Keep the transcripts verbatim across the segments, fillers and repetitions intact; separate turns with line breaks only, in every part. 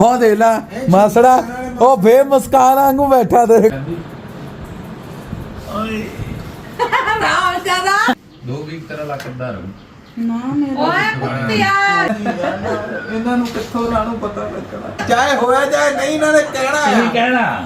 ਉਹ ਦੇ ਲਾ ਮਾਸੜਾ ਉਹ ਫੇ ਮੁਸਕਾਨ ਵਾਂਗੂ ਬੈਠਾ ਤੇ ਓਏ
ਰਾਮ ਜਿਆਦਾ
ਦੋ ਵੀਕ ਤੇਰਾ ਲੱਕ ਦਾ ਰਹੂ
ਨਾ ਮੇਰਾ ਓਏ ਕੁੱਤਿਆ
ਇਹਨਾਂ ਨੂੰ ਕਿੱਥੋਂ ਰਾਣੂ ਪਤਾ ਲੱਗਣਾ ਚਾਹੇ ਹੋਇਆ ਚਾਹੇ ਨਹੀਂ ਇਹਨਾਂ ਨੇ ਕਹਿਣਾ
ਕੀ ਕਹਿਣਾ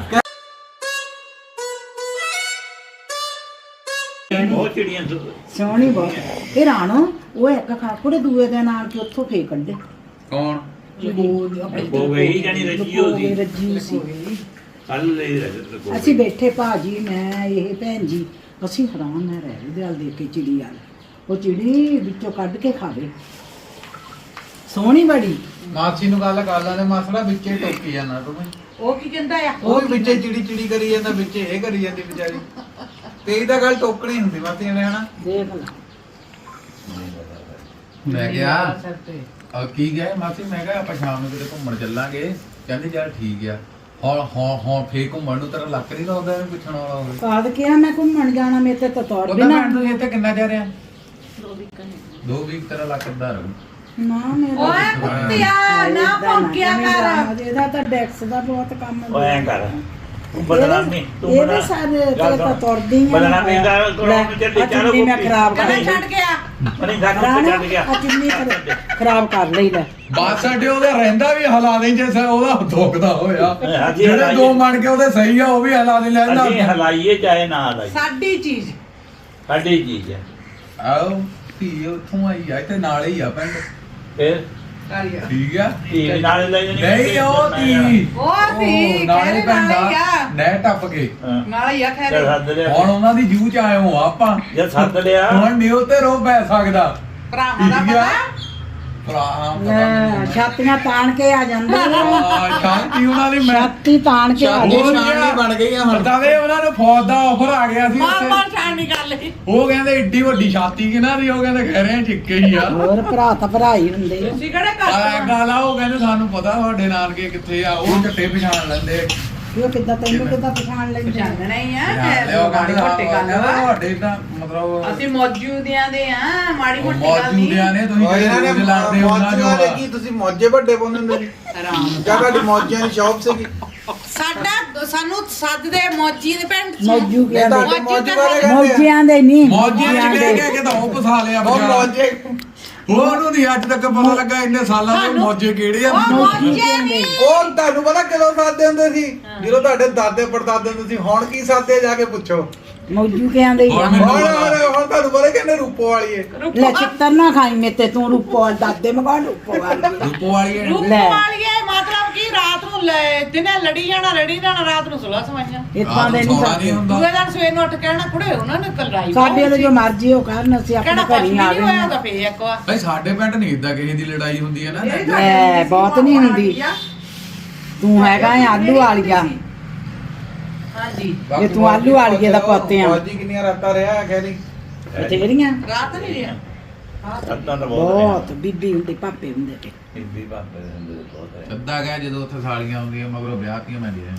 ਬਹੁਤ ਚਿੜੀਆਂ
ਸੋਹਣੀ ਬਹੁਤ ਇਹ ਰਾਣੋ ਉਹ ਇੱਕ ਖਾਕੁੜੇ ਦੂਏ ਦੇ ਨਾਲ ਕਿ ਉੱਥੋਂ ਫੇਕ ਕੱਢੇ
ਕੌਣ
ਬੋ ਗਈ ਜਾਨੀ ਰੱਜੀ ਹੋ ਸੀ
ਰੱਜੀ ਸੀ
ਕੱਲ ਲਈ ਰੱਜ
ਅਸੀਂ ਬੈਠੇ ਭਾਜੀ ਮੈਂ ਇਹ ਭੈਣ ਜੀ ਅਸੀਂ ਹੈਰਾਨ ਨਾ ਰਹਿ ਗਏ ਦਿਲ ਦੇਖ ਕੇ ਚਿੜੀ ਵਾਲ ਉਹ ਚਿੜੀ ਵਿੱਚੋਂ ਕੱਢ ਕੇ ਖਾਵੇ ਸੋਹਣੀ ਬੜੀ
ਮਾਸੀ ਨੂੰ ਗੱਲ ਕਰ ਲੈਂਦੇ ਮਾਸੜਾ ਵਿੱਚੇ ਟੋਕੀ ਜਾਂਦਾ ਤੂੰ
ਉਹ ਕੀ ਕਹਿੰਦਾ ਆ
ਉਹ ਵੀ ਵਿੱਚੇ ਚਿੜੀ ਚਿੜੀ ਕਰੀ ਜਾਂਦਾ ਵਿੱਚੇ ਇਹ ਕਰੀ ਜਾਂਦੀ ਵਿਚਾਰੀ ਤੇ ਇਹਦਾ ਗੱਲ ਟੋਕਣੀ ਹੁੰਦੀ ਮਾਸੀ ਨੇ ਹਨਾ
ਦੇਖ ਲੈ
ਮੈਂ ਕਿਹਾ ਆ ਕੀ ਗਏ ਮਾਸੀ ਮੈਂ ਕਿਹਾ ਆਪਾਂ ਸ਼ਾਮ ਨੂੰ ਕਿਤੇ ਘੁੰਮਣ ਚੱਲਾਂਗੇ ਕਹਿੰਦੇ ਯਾਰ ਠੀਕ ਆ ਹੁਣ ਹੁਣ ਹੁਣ ਫੇਰ ਘੁੰਮਣ ਨੂੰ ਤੇਰਾ ਲੱਕ ਨਹੀਂ ਲਾਉਂਦਾ ਇਹਨੂੰ ਪੁੱਛਣ ਵਾਲਾ ਹੋਵੇ
ਕਾਦ ਕਿਹਾ ਮੈਂ ਘੁੰਮਣ ਜਾਣਾ ਮੇਰੇ ਤੇ ਤਾਂ ਤੌਰ
ਉਹਦਾ
ਬਿਨਾ
ਮੈਂ ਤੂੰ ਇੱਥੇ ਕਿੰਨਾ ਜਾ ਰਿਹਾ ਦੋ ਵੀਕ ਤੇਰਾ ਲੱਕ ਦਾ ਰਹੂ
ਨਾ ਮੇਰਾ
ਓਏ ਕੁੱਤਿਆ ਨਾ ਭੌਂਕਿਆ ਕਰ
ਇਹਦਾ ਤਾਂ ਡੈਕਸ ਦਾ ਬਹੁਤ ਕੰਮ ਹੈ
ਓਏ ਐਂ ਕਰ ਤੂੰ ਬਦਨਾਮੀ ਤੂੰ
ਇਹਦੇ
ਬਣਾ
ਸਾਰੇ ਤੇ ਤਾਂ ਤੁਰਦੀ ਆ
ਬਦਨਾਮੀ ਦਾ ਕੋਲੋਂ ਚੱਲ ਚਾਰੋ
ਮੈਂ ਖਰਾਬ ਕਰ
ਕਦੇ ਛੱਡ ਗਿਆ
ਨਹੀਂ ਸਾਨੂੰ ਛੱਡ ਗਿਆ
ਆ ਚੁੰਨੀ ਖਰਾਬ ਕਰ ਲਈ ਲੈ
ਬਾਤ ਸਾਡੇ ਉਹਦਾ ਰਹਿੰਦਾ ਵੀ ਹਲਾ ਦੇ ਜੇ ਸ- ਉਹਦਾ ਧੋਕਦਾ ਹੋਇਆ
ਹਾਂਜੀ,
ਜਿਹੜੇ
ਹਲਾਈਏ।
ਦੋ ਮਣ ਕੇ ਉਹਦੇ ਸਹੀ ਆ ਉਹ ਵੀ ਹਲਾ ਦੇ ਲੈਂਦਾ
ਅਸੀਂ ਹਲਾਈਏ ਚਾਹੇ ਨਾ ਹਲਾਈਏ
ਸਾਡੀ ਚੀਜ਼
ਸਾਡੀ ਚੀਜ਼ ਹੈ
ਆਓ ਧੀ ਉੱਥੋਂ ਆਈ ਆ ਇੱਥੇ ਨਾਲ ਹੀ ਆ ਪਿੰਡ
ਫਿਰ
ਕਾਲੀਆ
ਠੀਕ ਆ
ਧੀ ਨਾਲ ਲੈ ਜਾਣੀ
ਨਹੀਂ ਉਹ ਧੀ
ਉਹ ਸੀ
ਨਾਲੇ
ਕਹਿ
ਪਿੰਡ
ਨਾਲ
ਆ
ਹੀ ਆ
ਨਹਿ ਟੱਪ ਕੇ
ਨਾਲ ਹੀ ਆ
ਚੱਲ
ਖੈਰ
ਸੱਦ ਲਿਆ
ਹੁਣ ਉਹਨਾਂ ਦੀ ਜੂ ਚ ਆਏ ਹੋ ਆਪਾਂ
ਜੇ ਸੱਦ ਲਿਆ
ਹੁਣ ਨਿਉ ਤੇ ਰੋ ਪੈ ਸਕਦਾ
ਭਰਾਵਾਂ ਦਾ
ਠੀਕ ਆ
ਪਤਾ
ਭਰਾ
ਲੈ ਛਾਤੀਆਂ ਤਾਣ ਕੇ ਆ ਜਾਂਦੇ ਨੇ
ਆ ਸ਼ਾਂਤੀ ਉਹਨਾਂ ਦੀ ਮੈਂ
ਛਾਤੀ ਤਾਣ ਕੇ ਆ
ਉਹ
ਜਾਂਦੇ
ਨਿਸ਼ਾਨੀ ਬਣ ਗਈ ਆ ਹੁਣ ਤਾਂ ਵੇ ਉਹਨਾਂ ਨੂੰ ਫੌਜ ਦਾ ਆਫਰ ਆ ਗਿਆ ਸੀ
ਮਾਰ
ਉੱਥੇ
ਮਾਰ ਛਾਣ ਨਹੀਂ ਕਰ ਲਈ
ਉਹ ਕਹਿੰਦੇ ਏਡੀ ਵੱਡੀ ਛਾਤੀ ਕਿਹਨਾਂ ਦੀ ਉਹ ਕਹਿੰਦੇ ਕਹਿ ਰਹੇ ਠਿੱਕੇ ਹੀ ਆ
ਹੋਰ ਭਰਾ ਤਾਂ ਭਰਾ ਹੀ ਹੁੰਦੇ ਆ
ਤੁਸੀਂ ਕਿਹੜੇ
ਆ
ਕਰ
ਗੱਲ ਆ ਉਹ ਕਹਿੰਦੇ ਸਾਨੂੰ ਪਤਾ ਤੁਹਾਡੇ ਨਾਨਕੇ ਕਿੱਥੇ ਆ ਉਹ ਝੱਟੇ ਪਛਾਣ ਲੈਂਦੇ
ਉਹ ਕਿੱਦਾਂ ਤੈਨੂੰ ਕਿੱਦਾਂ ਪਛਾਣ ਲੈਂਦੇ
ਜਾਣਣਾ ਹੀ ਆ
ਪਛਾਣ ਲਿਓ
ਮਾੜੀ ਮੋਟੀ ਗੱਲ ਵਾ
ਤੁਹਾਡੇ ਤਾਂ ਮਤਲਬ
ਅਸੀਂ ਮੌਜੂਦਿਆਂ ਦੇ ਆ ਮਾੜੀ ਮੋਟੀ ਗੱਲ
ਮੌਜੂਦਿਆਂ ਨੇ ਤੁਸੀਂ
ਇਹਨਾਂ ਨੇ
ਜਿਹੜੇ ਲਾਉਂਦੇ ਉਹਨਾਂ
ਮੌਜਾਂ ਦੇ
ਜੋ
ਕੀ ਤੁਸੀਂ ਮੌਜੇ ਵੱਡੇ ਪਾਉਂਦੇ ਹੁੰਦੇ ਸੀ
ਆਰਾਮ
ਜਾਂ ਤੁਹਾਡੀ ਮੌਜਾਂ ਦੀ ਸ਼ੌਪ ਸੀਗੀ
ਸਾਡਾ ਸਾਨੂੰ ਸੱਦਦੇ ਮੌਜੀ ਦੇ ਪਿੰਡ ਚ
ਮੌਜੂ
ਇਹ
ਕਹਿੰਦੇ
ਤੁਹਾਡੇ ਮੌਜ ਵਾਲੇ ਕਹਿੰਦੇ
ਮੌਜਿਆਂ ਦੇ ਨਹੀਂ
ਮੌਜੀਆਂ ਚ
ਮੌਜਿਆਂ
ਕਹਿ
ਦੇ
ਕਹਿ ਕੇ ਤਾਂ ਉਹ ਫਸਾ ਲਿਆ
ਉਹ
ਬਚਾਰਾ।
ਮੌਜੇ
ਹੋਰ ਨੂੰ ਨਹੀਂ ਅੱਜ ਤੱਕ ਪਤਾ ਲੱਗਾ ਇੰਨੇ ਸਾਲਾਂ ਦੇ ਮੌਜੇ ਕਿਹੜੇ ਆ
ਉਹ ਮੌਜੇ ਨਹੀਂ
ਉਹ ਤੁਹਾਨੂੰ ਪਤਾ ਕਦੋਂ ਸਾਦੇ ਹੁੰਦੇ ਸੀ ਜਦੋਂ ਤੁਹਾਡੇ ਦਾਦੇ ਪੜਦਾਦੇ ਹੁੰਦੇ ਸੀ ਹੁਣ ਕੀ ਸਾਦੇ ਜਾ ਕੇ ਪੁੱਛੋ
ਮੌਜੂ ਕਹਿੰਦੇ ਹੀ ਆ।
ਹੁਣ ਮੈਨੂੰ
ਹੁਣ
ਪਤਾ।
ਹੁਣ ਹੁਣ ਤੁਹਾਨੂੰ ਪਤਾ ਕਹਿੰਦੇ ਰੂਪੋ ਵਾਲੀ ਏ
ਲੈ ਚਿੱਤਰ ਨਾ ਖਾਈ ਮੇਤੇ ਤੂੰ ਰੂਪੋ ਦਾਦੇ ਮਗਾ ਰੂਪੋ ਵਾਲੀ
ਰੂਪੋ ਵਾਲੀ ਹੈ।
ਰੂਪ
ਲੈ।
ਵਾਲੀਏ ਮਤਲਬ ਕੀ ਰਾਤ ਨੂੰ ਲੈ ਦਿਨੇ ਲੜੀ ਜਾਣਾ ਲੜੀ ਜਾਣਾ ਰਾਤ ਨੂੰ ਸੁਲਾ ਸਮਾਈਆਂ
ਇਤਾਂ ਦੇ ਨਹੀਂ
ਸੌਣਾ ਨਹੀਂ
ਸਕਦੇ
ਹੁੰਦਾ
ਦੂਏ ਦਿਨ ਸਵੇਰ ਨੂੰ ਉੱਠ ਕੇ ਆਣਾ ਕੁੜੇ ਉਹਨਾਂ ਨੇ ਕਲਰਾਈ
ਸਾਡੇ ਵਾਲੇ ਜੋ ਮਰਜ਼ੀ ਉਹ ਕਰਨ ਅਸੀਂ
ਕਿਹੜਾ
ਆਪਣੇ
ਕੁਝ
ਘਰੀ
ਨਹੀਂ
ਆ
ਹੋਇਆ
ਗਏ
ਤਾਂ ਫੇਰ ਇੱਕ ਵਾਰ
ਭਾਈ ਸਾਡੇ ਪਿੰਡ ਨਹੀਂ ਇਦਾਂ ਕਿਸੇ ਦੀ ਲੜਾਈ ਹੁੰਦੀ ਹੈ ਨਾ
ਲੈ, ਬਹੁਤ ਨਹੀਂ ਹੁੰਦੀ। ਤੂੰ ਹੈਗਾ ਹੈ ਆਲੂ ਵਾਲੀਆ
ਹਾਂਜੀ
ਜੇ ਤੂੰ ਆਲੂ ਵਾਲੀਏ ਦਾ ਪੁੱਤ ਆ
ਫੌਜੀ ਕਿੰਨੀਆਂ ਰਾਤਾਂ ਰਿਹਾ ਕਹਿੰਦੀ
ਬਥੇਰੀਆਂ
ਰਾਤ ਨਹੀਂ ਰਿਹਾ
ਸੱਦਾਂ ਤਾਂ ਬਹੁਤ
ਬਹੁਤ ਬੀਬੀ ਹੁੰਦੀ ਪਾਪੇ ਹੁੰਦੇ ਤੇ
ਬੀਬੀ ਬਾਪੇ ਦੇ ਹੁੰਦੇ ਬਹੁਤ ਹੈ
ਅੱਧਾ ਗਿਆ ਜਦੋਂ ਉੱਥੇ ਸਾਲੀਆਂ ਆਉਂਦੀਆਂ ਮਗਰੋਂ ਵਿਆਹ ਤੀਆਂ ਮੈਂ ਦੇ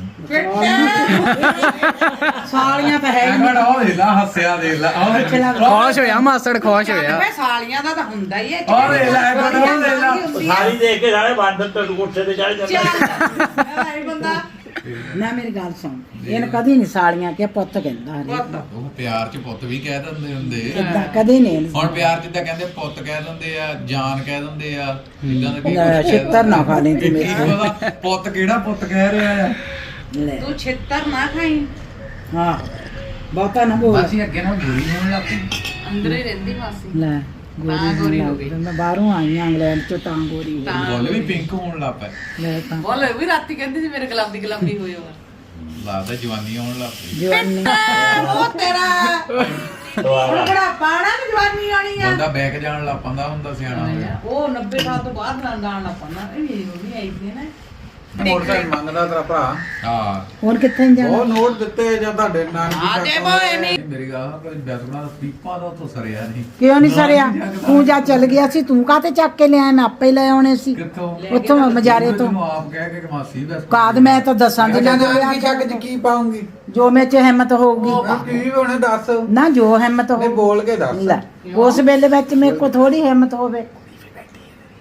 ਸਾਲੀਆਂ ਤਾਂ ਹੈ ਹੀ
ਮੈਂ ਉਹ ਦੇ ਲਾ ਹੱਸਿਆ ਦੇ ਲਾ ਉਹ ਦੇ ਲਾ
ਖੁਸ਼ ਹੋਇਆ ਮਾਸੜ ਖੁਸ਼ ਹੋਇਆ
ਵੇ ਸਾਲੀਆਂ ਦਾ ਤਾਂ ਹੁੰਦਾ ਹੀ ਹੈ
ਉਹ ਦੇ ਲਾ ਉਹ ਦੇ ਲਾ
ਸਾਰੀ ਦੇਖ ਕੇ ਸਾਰੇ ਬਾਂਦਰ ਤੇ ਕੋਠੇ ਤੇ ਚੜ ਜਾਂਦੇ
ਚੱਲ ਇਹ ਬੰਦਾ
ਨਾ ਮੇਰੀ ਗੱਲ ਸੁਣ ਇਹਨ ਕਦੀ ਨਹੀਂ ਸਾਲੀਆਂ ਕਿ ਪੁੱਤ ਕਹਿੰਦਾ ਹਰੇ
ਉਹ ਪਿਆਰ ਚ ਪੁੱਤ ਵੀ ਕਹਿ ਦਿੰਦੇ ਹੁੰਦੇ
ਇਦਾਂ ਕਦੇ ਨਹੀਂ
ਹੁਣ ਪਿਆਰ ਚ ਤਾਂ ਕਹਿੰਦੇ ਪੁੱਤ ਕਹਿ ਦਿੰਦੇ ਆ ਜਾਨ ਕਹਿ ਦਿੰਦੇ ਆ ਇਦਾਂ ਦਾ ਕੀ
ਲੈ,
ਕੁਛ ਕਹਿ
ਛਿੱਤਰ ਨਾ ਖਾ ਲਈ ਤੂੰ
ਦਿੰਦੇ।
ਮੇਰੇ
ਕੀ ਪਤਾ ਪੁੱਤ ਕਿਹੜਾ ਪੁੱਤ ਕਹਿ ਰਿਹਾ ਆ
ਲੈ
ਤੂੰ ਛਿੱਤਰ ਨਾ ਖਾਈ
ਹਾਂ ਬਹੁਤਾ ਨਾ ਬੋਲ
ਅਸੀਂ ਅੱਗੇ ਨਾਲ ਗੋਰੀ ਹੋਣ ਲੱਗ ਪਈ
ਅੰਦਰ ਹੀ ਰਹਿੰਦੀ ਮਾਸੀ
ਲੈ
ਤਾਂ ਗੋਰੀ ਹੋ ਗਈ।
ਮੈਂ ਬਾਹਰੋਂ ਆਈ ਆਂ ਇੰਗਲੈਂਡ ਚੋਂ ਤਾਂ ਗੋਰੀ ਹੋ ਗਈ।
ਬੋਲ ਵੀ ਪਿੰਕ ਹੋਣ ਲੱਗ ਪਏ
ਲੈ ਤਾਂ
ਬੋਲ ਵੀ ਰਾਤੀ ਕਹਿੰਦੀ ਸੀ ਮੇਰੇ ਗੁਲਾਬੀ ਗੁਲਾਬੀ ਹੋਏ ਹੋ
ਲੱਗਦਾ ਜਵਾਨੀ ਆਉਣ ਲੱਗ ਪਈ
ਜਵਾਨੀ
ਉਹ ਤੇਰਾ
ਦੁਆਰਾ
ਬੜਾ ਪਾਣਾ ਵੀ ਜਵਾਨੀ ਆਣੀ ਆ
ਬੰਦਾ ਬੈਕ ਜਾਣ ਲੱਗ ਪੈਂਦਾ ਹੁੰਦਾ ਸਿਆਣਾ ਹੋਇਆ
ਉਹ ਨੱਬੇ ਸਾਲ ਤੋਂ ਬਾਅਦ ਨਾਲ ਗਾਣ ਲੱਪਣਾ ਇਹ ਵੀ ਉਹ ਵੀ ਆਈ ਸੀ ਨਾ
ਮੋਟਰਸਾਈਕਲ ਮੰਗਦਾ ਤੇਰਾ ਭਰਾ
ਹਾਂ
ਹੋਰ ਕਿੱਥੇ ਜਾਣਾ
ਉਹ ਨੋਟ ਦਿੱਤੇ ਜਾਂ ਤੁਹਾਡੇ
ਆ
ਨਾਨਕੀ
ਦੇ ਬੋਏ ਨਹੀਂ
ਮੇਰੀ ਗੱਲ ਕੋਈ ਬੈਸਣਾ ਦਾ ਪੀਪਾ ਦਾ ਉੱਥੋਂ ਸਰਿਆ ਨਹੀਂ
ਕਿਉਂ ਨਹੀਂ ਸਰਿਆ ਤੂੰ ਜਾ ਚੱਲ ਗਿਆ ਸੀ ਤੂੰ ਕਾਤੇ ਚੱਕ ਕੇ ਲਿਆ ਮੈਂ ਆਪੇ ਲੈ ਆਉਣੇ ਸੀ
ਕਿੱਥੋਂ
ਉੱਥੋਂ ਮਜਾਰੇ ਤੋਂ
ਤੈਨੂੰ ਆਪ ਕਹਿ ਕੇ ਕਿ ਮਾਸੀ ਬੈਸ
ਕਾਦ ਮੈਂ ਤਾਂ ਦੱਸਾਂ ਦਿਨਾਂ ਦੇ
ਨਾਨਕੀ ਛੱਕ ਚ ਕੀ ਪਾਉਂਗੀ
ਜੋ ਮੇਰੇ ਚ ਹਿੰਮਤ ਹੋਊਗੀ
ਉਹ ਕੀ ਹੋਣੇ ਦੱਸ
ਨਾ ਜੋ ਹਿੰਮਤ
ਨਹੀਂ
ਹੋ
ਬੋਲ ਕੇ ਦੱਸ
ਲੈ ਉਸ ਵੇਲੇ ਵਿੱਚ ਮੇਰੇ ਕੋ ਥੋੜੀ ਹਿੰਮਤ ਹੋਵੇ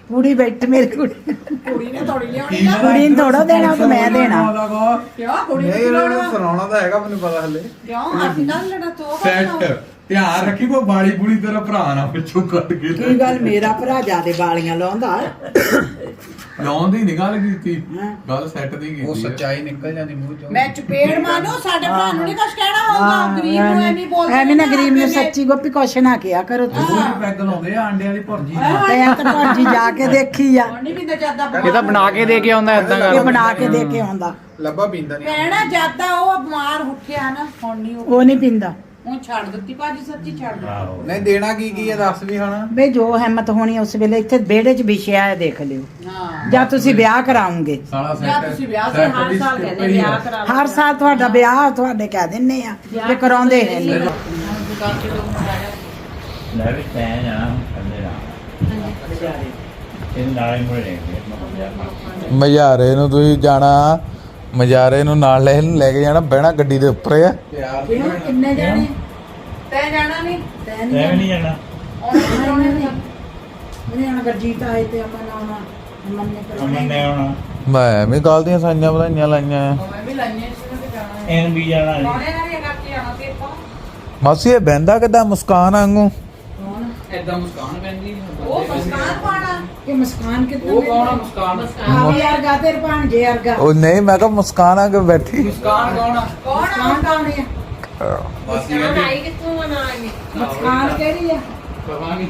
ਕੁੜੀ ਬੈਠੀ ਮੇਰੀ ਕੁੜੀ
ਕੁੜੀ ਨੇ ਥੋੜੀ ਲਿਆਉਣੀ ਨਾ
ਕੁੜੀ ਨੂੰ ਥੋੜਾ ਦੇਣਾ ਤੇ ਮੈਂ ਦੇਣਾ
ਕਿਉਂ ਕੁੜੀ
ਨਹੀਂ
ਨੂੰ
ਇਹਨਾਂ
ਲੋੜ
ਨੂੰ ਸੁਣਾਉਣਾ ਤਾਂ ਹੈਗਾ ਮੈਨੂੰ ਪਤਾ ਹਲੇ
ਕਿਉਂ ਅਸੀਂ ਨਾਲ ਲੜਾ ਤੋ
ਸੈੱਟ ਧਿਆਨ ਰੱਖੀ ਕੋ ਬਾਲੀ ਬੁਲੀ ਤੇਰਾ ਭਰਾ ਨਾ ਪਿੱਛੋਂ ਕੱਢ ਕੇ
ਕੀ ਗੱਲ ਮੇਰਾ ਭਰਾ ਜਿਆਦੇ ਵਾਲੀਆਂ ਲਾਉਂਦਾ
ਲਾਉਣ ਦੀ ਨਹੀਂ ਗੱਲ ਕੀਤੀ
ਹਾਂ।
ਗੱਲ ਸੈੱਟ ਦੀ ਕੀਤੀ
ਉਹ
ਆ।
ਸੱਚਾਈ ਨਿਕਲ ਜਾਂਦੀ ਮੂੰਹ ਚੋਂ
ਮੈਂ ਚਪੇੜ ਮਾਰੋ ਸਾਡੇ ਭਰਾ ਨੂੰ ਨਹੀਂ ਕੁਛ ਕਹਿਣਾ ਹੋਊਗਾ ਗਰੀਬ ਨੂੰ ਐਵੇਂ ਬੋਲਦੇ
ਐਵੇਂ ਨਾ ਗਰੀਬ ਨੂੰ ਸੱਚੀ ਗੋਪੀ ਕੁਛ ਨਾ ਕਿਹਾ ਕਰੋ ਤੁਸੀਂ
ਉਹ ਨੀ ਪੈਗ ਲਾਉਂਦੇ ਆ ਆਂਡਿਆਂ ਦੀ ਭੁਰਜੀ
ਤੇ ਆ ਤਾਂ ਭਾਜੀ ਜਾ ਕੇ ਦੇਖੀ ਆ
ਹੁਣ ਨਹੀਂ ਪਿੰਦਾ ਜਾਂਦਾ
ਇਹ ਤਾਂ ਬਣਾ ਕੇ ਦੇ ਕੇ ਆਉਂਦਾ ਏਦਾਂ
ਇਹ
ਕਰ
ਬਣਾ ਕੇ ਦੇ ਕੇ ਆਉਂਦਾ
ਲੱਭਾ ਪੀਂਦਾ ਨਹੀਂ
ਕਹਿਣਾ ਜਾਂਦਾ ਉਹ ਬਿਮਾਰ ਉੱਠਿਆ ਨਾ ਹੁਣ ਨਹੀਂ ਉਹ
ਉਹ ਨਹੀਂ ਪਿੰਦਾ
ਹੁਣ ਛੱਡ ਦਿੱਤੀ ਭਾਜੀ ਸੱਚੀ ਛੱਡ ਦਿੱਤੀ
ਆਹੋ
ਨਹੀਂ ਦੇਣਾ ਕੀ ਕੀ ਹੈ ਦੱਸ ਵੀ ਹੁਣ
ਬਈ ਜੋ ਹਿੰਮਤ ਹੋਣੀ ਉਸ ਵੇਲੇ ਇੱਥੇ ਵਿਹੜੇ 'ਚ ਵਿਛਿਆ ਹੈ ਦੇਖ ਲਿਓ
ਹਾਂ
ਜਾਂ ਤੁਸੀਂ ਵਿਆਹ ਕਰਾਉਂਗੇ
ਸਾਲਾ
ਜਾਂ
ਸੈੱਟ
ਤੁਸੀਂ ਵਿਆਹ ਤੇ ਹਰ ਸਾਲ ਕਹਿੰਦੇ ਵਿਆਹ ਕਰਾ ਲਓ
ਹਰ ਸਾਲ ਤੁਹਾਡਾ ਵਿਆਹ ਤੁਹਾਡੇ ਕਹਿ ਦਿੰਨੇ ਆ ਤੇ ਕਰਾਉਂਦੇ ਹੈ ਨਹੀਂ
ਦੁਕਾਨ ਤੇ ਲੋਕ ਆਇਆ
ਲੈ ਵੀ ਤੈਂ ਜਾਣਾ ਕੰਨੇ ਨਾਲ ਇਹ ਨਾਲੇ ਮੁੜੇ ਨੇ
ਮਜਾਰੇ ਨੂੰ ਤੁਸੀਂ ਜਾਣਾ ਮਜਾਰੇ ਨੂੰ ਨਾਲ ਲੈ ਲੈ ਕੇ ਜਾਣਾ ਬਹਿਣਾ ਗੱਡੀ ਦੇ ਉੱਪਰ ਆ
ਪਿਆਰ
ਕਿਉਂ ਕਿੰਨੇ ਜਾਣੇ
ਤੈ ਜਾਣਾ ਨਹੀਂ
ਤੈਨੂੰ
ਤੈਂ ਵੀ ਨਹੀਂ ਜਾਣਾ
ਉਹਨੇ ਨਹੀਂ ਉਹਨੇ ਹੁਣ ਗਰਜੀਤ ਆਏ ਤੇ ਅਮਨ ਆਉਣਾ ਅਮਨ ਨੇ
ਅਮਨ ਨੇ ਆਉਣਾ
ਮੈਂ ਵੀ ਕੱਲ ਦੀਆਂ ਸਾਈਆਂ ਵਧਾਈਆਂ ਲਾਈਆਂ ਆ
ਮੈਂ ਵੀ ਲਾਈਆਂ ਸੀ ਨਾ ਤੇ ਜਾਣਾ ਹੈ
ਇਹਨ ਵੀ ਜਾਣਾ ਨੀ।
ਕੋਣੇ ਨਾਲ ਇਹ ਕਰਕੇ ਆਣਾ ਤੇ ਆਪਾਂ
ਮਾਸੀ ਇਹ ਬਹਿੰਦਾ ਕਿੱਦਾਂ ਮੁਸਕਾਨ ਵਾਂਗੂ
ਏਦਾਂ ਮੁਸਕਾਨ ਪੈਂਦੀ
ਉਹ ਮਸਕਾਨ ਪਾਣਾ
ਕਿ ਮੁਸਕਾਨ ਕਿੱਦਾਂ
ਉਹ ਕੌਣ ਆ ਮੁਸਕਾਨ
ਆ ਯਾਰ ਗਾਤੇ ਭਾਂਜੇ ਵਰਗਾ
ਉਹ ਨਹੀਂ ਮੈਂ ਕਿਹਾ ਮੁਸਕਾਨ ਆ ਕੇ ਬੈਠੀ
ਮੁਸਕਾਨ ਕੌਣ ਆ
ਕੌਣ
ਮੁਸਕਾਨ ਕੌਣ ਆ
ਮਾਸੀ
ਆਈ ਕਿੱਥੋਂ ਬਣਾਣੀ
ਮੁਸਕਾਨ ਕਿਹੜੀ ਆ
ਪਤਾ ਨਹੀਂ